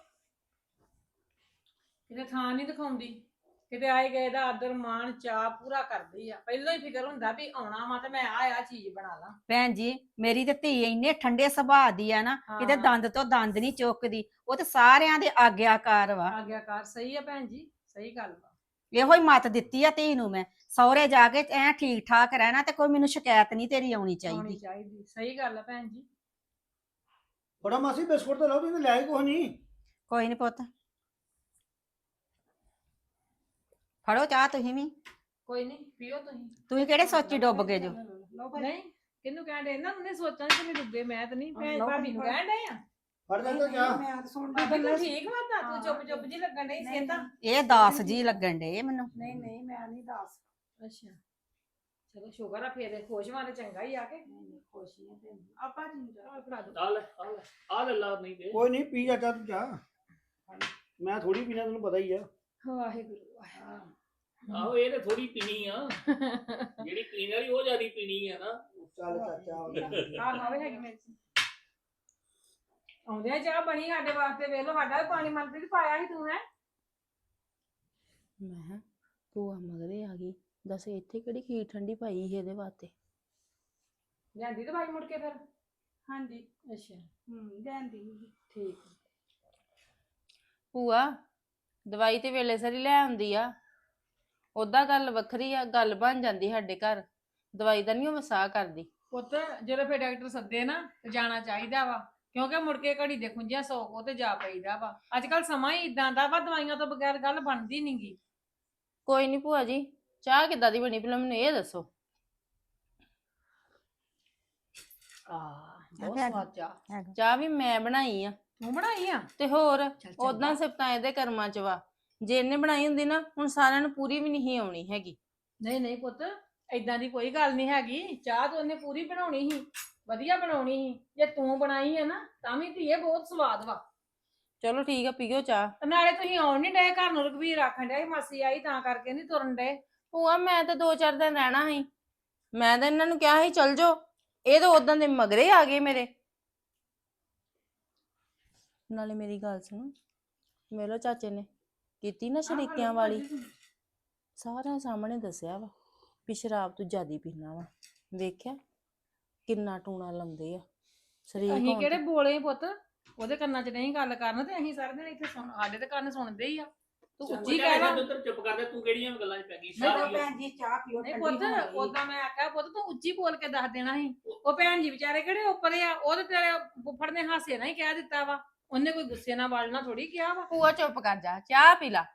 S8: ਕਿਤੇ ਥਾਂ ਨਹੀਂ ਦਿਖਾਉਂਦੀ, ਕਿਤੇ ਆਏ ਗਏ ਦਾ ਆਦਰ ਮਾਣ ਚਾਅ ਪੂਰਾ ਕਰਦੀ ਆ। ਪਹਿਲਾਂ ਹੀ ਫਿਕਰ ਹੁੰਦਾ ਵੀ ਆਉਣਾ ਵਾ ਤੇ ਮੈਂ ਆ ਚੀਜ਼ ਬਣਾ ਲਾਂ।
S2: ਭੈਣ ਜੀ ਮੇਰੀ ਤੇ ਧੀ ਇੰਨੇ ਠੰਡੇ ਸੁਭਾਅ ਦੀ ਆ ਨਾ, ਕਿਤੇ
S8: ਹਾਂ।
S2: ਦੰਦ ਤੋਂ ਦੰਦ ਨਹੀਂ ਚੁੱਕਦੀ, ਉਹ ਤੇ ਸਾਰਿਆਂ ਦੇ ਆਗਿਆਕਾਰ ਵਾ।
S8: ਆਗਿਆਕਾਰ ਸਹੀ ਆ ਭੈਣ ਜੀ, ਸਹੀ ਗੱਲ ਵਾ।
S2: ਇਹੋ ਹੀ ਮੱਤ ਦਿੱਤੀ ਆ ਧੀ ਨੂੰ ਮੈਂ, ਸਹੁਰੇ ਜਾ ਕੇ ਐ ਠੀਕ ਠਾਕ ਰਹਿਣਾ ਤੇ ਕੋਈ ਮੈਨੂੰ ਸ਼ਿਕਾਇਤ ਨਹੀਂ ਤੇਰੀ ਆਉਣੀ
S8: ਆਉਣੀ
S2: ਚਾਹੀਦੀ।
S8: ਚਾਹੀਦੀ, ਸਹੀ ਗੱਲ ਆ ਭੈਣ ਜੀ।
S1: ਬੜਾ ਮਾਸੀ ਬਿਸਕੁਟ ਤਾਂ ਲਓ, ਤੁਸੀਂ ਲੈ ਆਏ ਕੁਛ ਨਹੀਂ।
S2: ਕੋਈ ਨਹੀਂ ਪੁੱਤ, ਫੜੋ ਚਾਹ ਤੁਸੀਂ ਵੀ।
S8: ਕੋਈ ਨਹੀਂ, ਪੀਓ ਤੁਸੀਂ।
S2: ਤੁਸੀਂ ਕਿਹੜੇ ਸੋਚੀ ਡੁੱਬ ਗਏ ਜੋ?
S8: ਨਹੀਂ, ਕਿਹਨੂੰ ਕਹਿਣ ਦੇ, ਇਹਨਾਂ ਨੂੰ ਨਹੀਂ ਸੋਚਾਂ ਕਿ ਨਹੀਂ ਡੁੱਬੇ, ਮੈਂ ਤਾਂ ਨਹੀਂ,
S6: ਲਓ
S8: ਭਾਬੀ ਨੂੰ
S6: ਫੜੋ।
S8: ਕਹਿਣ ਦੇ ਆ।
S1: ਫੜ ਦੇ ਤਾਂ ਜਾ
S6: ਮੈਂ ਤਾਂ ਸੁਣ
S5: ਬੀਬੀ ਤੂੰ ਠੀਕ ਵਾ ਤਾਂ ਤੂੰ ਚੁੱਪ ਚੁੱਪ ਜੀ ਲੱਗਣ ਡਈ
S6: ਨਹੀਂ,
S5: ਸੀ ਤਾਂ
S2: ਇਹ ਦਾਸ ਜੀ ਲੱਗਣ ਡੇ ਮੈਨੂੰ।
S6: ਨਹੀਂ ਨਹੀਂ ਮੈਂ ਨਹੀਂ ਦੱਸ
S8: ਅੱਛਾ ਚਲੋ ਸ਼ੁਕਰ ਆ ਫੇਰ ਖੁਸ਼ ਵਾਲੇ ਚੰਗਾ ਹੀ ਆ ਕੇ
S6: ਨਹੀਂ ਖੁਸ਼ ਹੀ ਆ ਤੇ
S5: ਆਪਾਂ ਜਿੰਦਾ
S8: ਆ ਫੜਾ ਦੋ
S7: ਆ ਲੈ ਆ ਲੈ ਆ ਲੈ ਲਾ ਨਹੀਂ ਤੇ
S1: ਕੋਈ ਨਹੀਂ ਪੀ ਜਾ ਤੂੰ ਜਾ ਮੈਂ ਥੋੜੀ ਪੀਣਾ ਤੈਨੂੰ ਪਤਾ ਹੀ ਆ
S8: ਵਾਹਿਗੁਰੂ ਵਾਹਿਗੁਰੂ।
S7: ਆਹੋ ਇਹ ਤੇ ਥੋੜੀ ਪੀਣੀ ਆ ਜਿਹੜੀ ਪੀਣ ਵਾਲੀ ਉਹ ਜਿਆਦੀ ਪੀਣੀ ਆ ਨਾ।
S1: ਚੱਲ ਚਾਚਾ
S8: ਆ ਖਾਵੇ ਹੈਗੀ ਮੇਰੇ ਆਉਂਦੇ ਆ ਚਾਹ ਬਣੀ ਸਾਡੇ ਵਾਸਤੇ ਵੇਖ ਲਓ ਸਾਡਾ ਵੀ ਪਾਣੀ ਮਨਪ੍ਰੀਤ ਪਾਇਆ ਸੀ ਤੂੰ ਹੈ
S3: ਮੈਂ ਭੂਆ ਮਗਰੇ ਆ ਗਈ ਦੱਸ ਇੱਥੇ ਕਿਹੜੀ ਖੀਰ ਠੰਡੀ ਪਾਈ ਸੀ ਇਹਦੇ ਵਾਸਤੇ।
S8: ਲਿਆਂਦੀ ਦਵਾਈ ਮੁੜ ਕੇ ਫਿਰ
S5: ਹਾਂਜੀ
S8: ਅੱਛਾ
S5: ਜਾਂਦੀ
S8: ਠੀਕ
S3: ਭੂਆ ਦਵਾਈ ਤੇ ਵੇਲੇ ਸਰੀ ਲੈ ਆਉਂਦੀ ਆ, ਉਦਾਂ ਗੱਲ ਵੱਖਰੀ ਆ, ਗੱਲ ਬਣ ਜਾਂਦੀ ਸਾਡੇ ਘਰ। ਦਵਾਈ ਦਾ ਨਹੀਂ ਉਹ ਵਸਾ ਕਰਦੀ।
S8: ਪੁੱਤ ਜਦੋਂ ਫਿਰ ਡਾਕਟਰ ਸੱਦੇ ਨਾ ਤੇ ਜਾਣਾ ਚਾਹੀਦਾ ਵਾ ਕਿਉਂਕਿ ਮੁੜ ਕੇ ਘੜੀ ਦੇ ਖੁੰਝਿਆ ਸੌ ਕੋ ਤੇ ਜਾ ਪਈਦਾ ਵਾ। ਅੱਜ ਕੱਲ ਸਮਾਂ ਹੀ ਇਦਾਂ ਦਾ ਵਾ ਦਵਾਈਆਂ ਤੋਂ ਬਗੈਰ ਗੱਲ ਬਣਦੀ ਨਹੀਂਗੀ।
S3: ਕੋਈ ਨਹੀਂ ਭੂਆ ਜੀ, ਚਾਹ ਕਿੱਦਾਂ ਦੀ ਬਣੀ ਪਹਿਲਾਂ ਮੈਨੂੰ ਇਹ ਦੱਸੋ।
S8: ਬਹੁਤ ਸਵਾਦ ਚਾਹ
S3: ਚਾਹ ਵੀ ਮੈਂ ਬਣਾਈ ਆ
S8: ਤੂੰ ਬਣਾਈ ਆ
S3: ਤੇ ਹੋਰ
S8: ਚੰਗਾ।
S3: ਉਦਾਂ ਸਿਫਤਾਂ ਇਹਦੇ ਕਰਮਾਂ ਚ ਵਾ। ਜੇ ਇਹਨੇ ਬਣਾਈ ਹੁੰਦੀ ਨਾ ਹੁਣ ਸਾਰਿਆਂ ਨੂੰ ਪੂਰੀ ਵੀ ਨਹੀਂ ਆਉਣੀ ਹੈਗੀ।
S8: ਨਹੀਂ ਨਹੀਂ ਪੁੱਤ ਏਦਾਂ ਦੀ ਕੋਈ ਗੱਲ ਨਹੀਂ ਹੈਗੀ। ਚਾਹ ਤਾਂ ਉਹਨੇ ਪੂਰੀ ਬਣਾਉਣੀ ਸੀ, ਵਧੀਆ ਬਣਾਉਣੀ ਸੀ। ਜੇ ਤੂੰ ਬਣਾਈ ਹੈ ਨਾ ਤਾਂ ਵੀ ਧੀਏ ਬਹੁਤ ਸਵਾਦ ਵਾ।
S3: ਚਲੋ ਠੀਕ ਆ, ਪੀਓ ਚਾਹ।
S8: ਤੇ ਨਾਲੇ ਤੁਸੀਂ ਆਉਣ ਨਹੀਂ ਡਏ ਘਰ ਨੂੰ, ਰਘਬੀਰ ਆਖਣ ਡਿਆ ਸੀ ਮਾਸੀ ਆਈ ਤਾਂ ਕਰਕੇ ਨਹੀਂ ਤੁਰਨ ਡਏ।
S3: ਭੂਆ ਮੈਂ ਤਾਂ 2-4 ਦਿਨ ਰਹਿਣਾ ਸੀ, ਮੈਂ ਤਾਂ ਇਹਨਾਂ ਨੂੰ ਕਿਹਾ ਸੀ ਚਲ ਜਾਓ, ਇਹ ਤਾਂ ਉਦਾਂ ਦੇ ਮਗਰੇ ਆ ਗਏ ਮੇਰੇ। ਨਾਲੇ ਮੇਰੀ ਗੱਲ ਸੁਣ, ਮੇਲੋ ਚਾਚੇ ਨੇ ਕੀਤੀ ਨਾ ਸ਼ਰੀਕਿਆਂ ਵਾਲੀ, ਸਾਰਿਆਂ ਸਾਹਮਣੇ ਦੱਸਿਆ ਵਾ ਵੀ ਸ਼ਰਾਬ ਤੂੰ ਜ਼ਿਆਦੀ ਪੀਣਾ ਵਾ। ਵੇਖਿਆ ਕਿੰਨਾ ਟੂਣਾ ਲਾਉਂਦੇ ਆ ਸ਼ਰੀਕ
S8: ਅਸੀਂ
S3: ਹੋਣ
S8: ਕਿਹੜੇ
S3: ਤੇ।
S8: ਬੋਲੇ ਪੁੱਤ, ਉਹਦੇ ਕੰਨਾਂ 'ਚ ਨਹੀਂ ਗੱਲ ਕਰਨ ਤੇ ਅਸੀਂ ਸਾਰੇ ਦਿਨ ਇੱਥੇ ਸੁਣ, ਸਾਡੇ ਤੇ ਕੰਨ ਸੁਣਦੇ ਹੀ ਆ। ਤੂੰ ਉੱਚੀ ਕਹਿ ਲਾ।
S7: ਤੂੰ ਚੁੱਪ ਕਰ ਦੇ, ਤੂੰ ਕਿਹੜੀਆਂ ਗੱਲਾਂ 'ਚ ਪੈ ਗਈ?
S8: ਨਹੀਂ
S7: ਸਾਰੀ
S8: ਤਾਂ
S6: ਭੈਣ ਜੀ ਚਾਹ ਪੀਓ
S8: ਨਹੀਂ
S6: ਠੰਡੀ
S8: ਪੁੱਤ
S6: ਹੋ ਗਈ।
S8: ਉਦਾਂ ਮੈਂ ਆਖਿਆ ਪੁੱਤ ਤੂੰ ਉੱਚੀ ਬੋਲ ਕੇ ਦੱਸ ਦੇਣਾ ਸੀ। ਉਹ ਭੈਣ ਜੀ ਵਿਚਾਰੇ ਕਿਹੜੇ ਉੱਪਰ ਆ, ਉਹ ਤੇ ਤੇਰੇ ਫੁੱਫੜ ਨੇ ਹਾਸੇ ਨਾਲ ਹੀ ਕਹਿ ਦਿੱਤਾ ਵਾ, ਉਹਨੇ ਕੋਈ ਗੁੱਸੇ ਨਾਲ ਵਲਣਾ ਥੋੜੀ ਕਿਹਾ ਵਾ।
S3: ਭੂਆ ਚੁੱਪ ਕਰ ਜਾ, ਚਾਹ ਪੀ ਲਾ।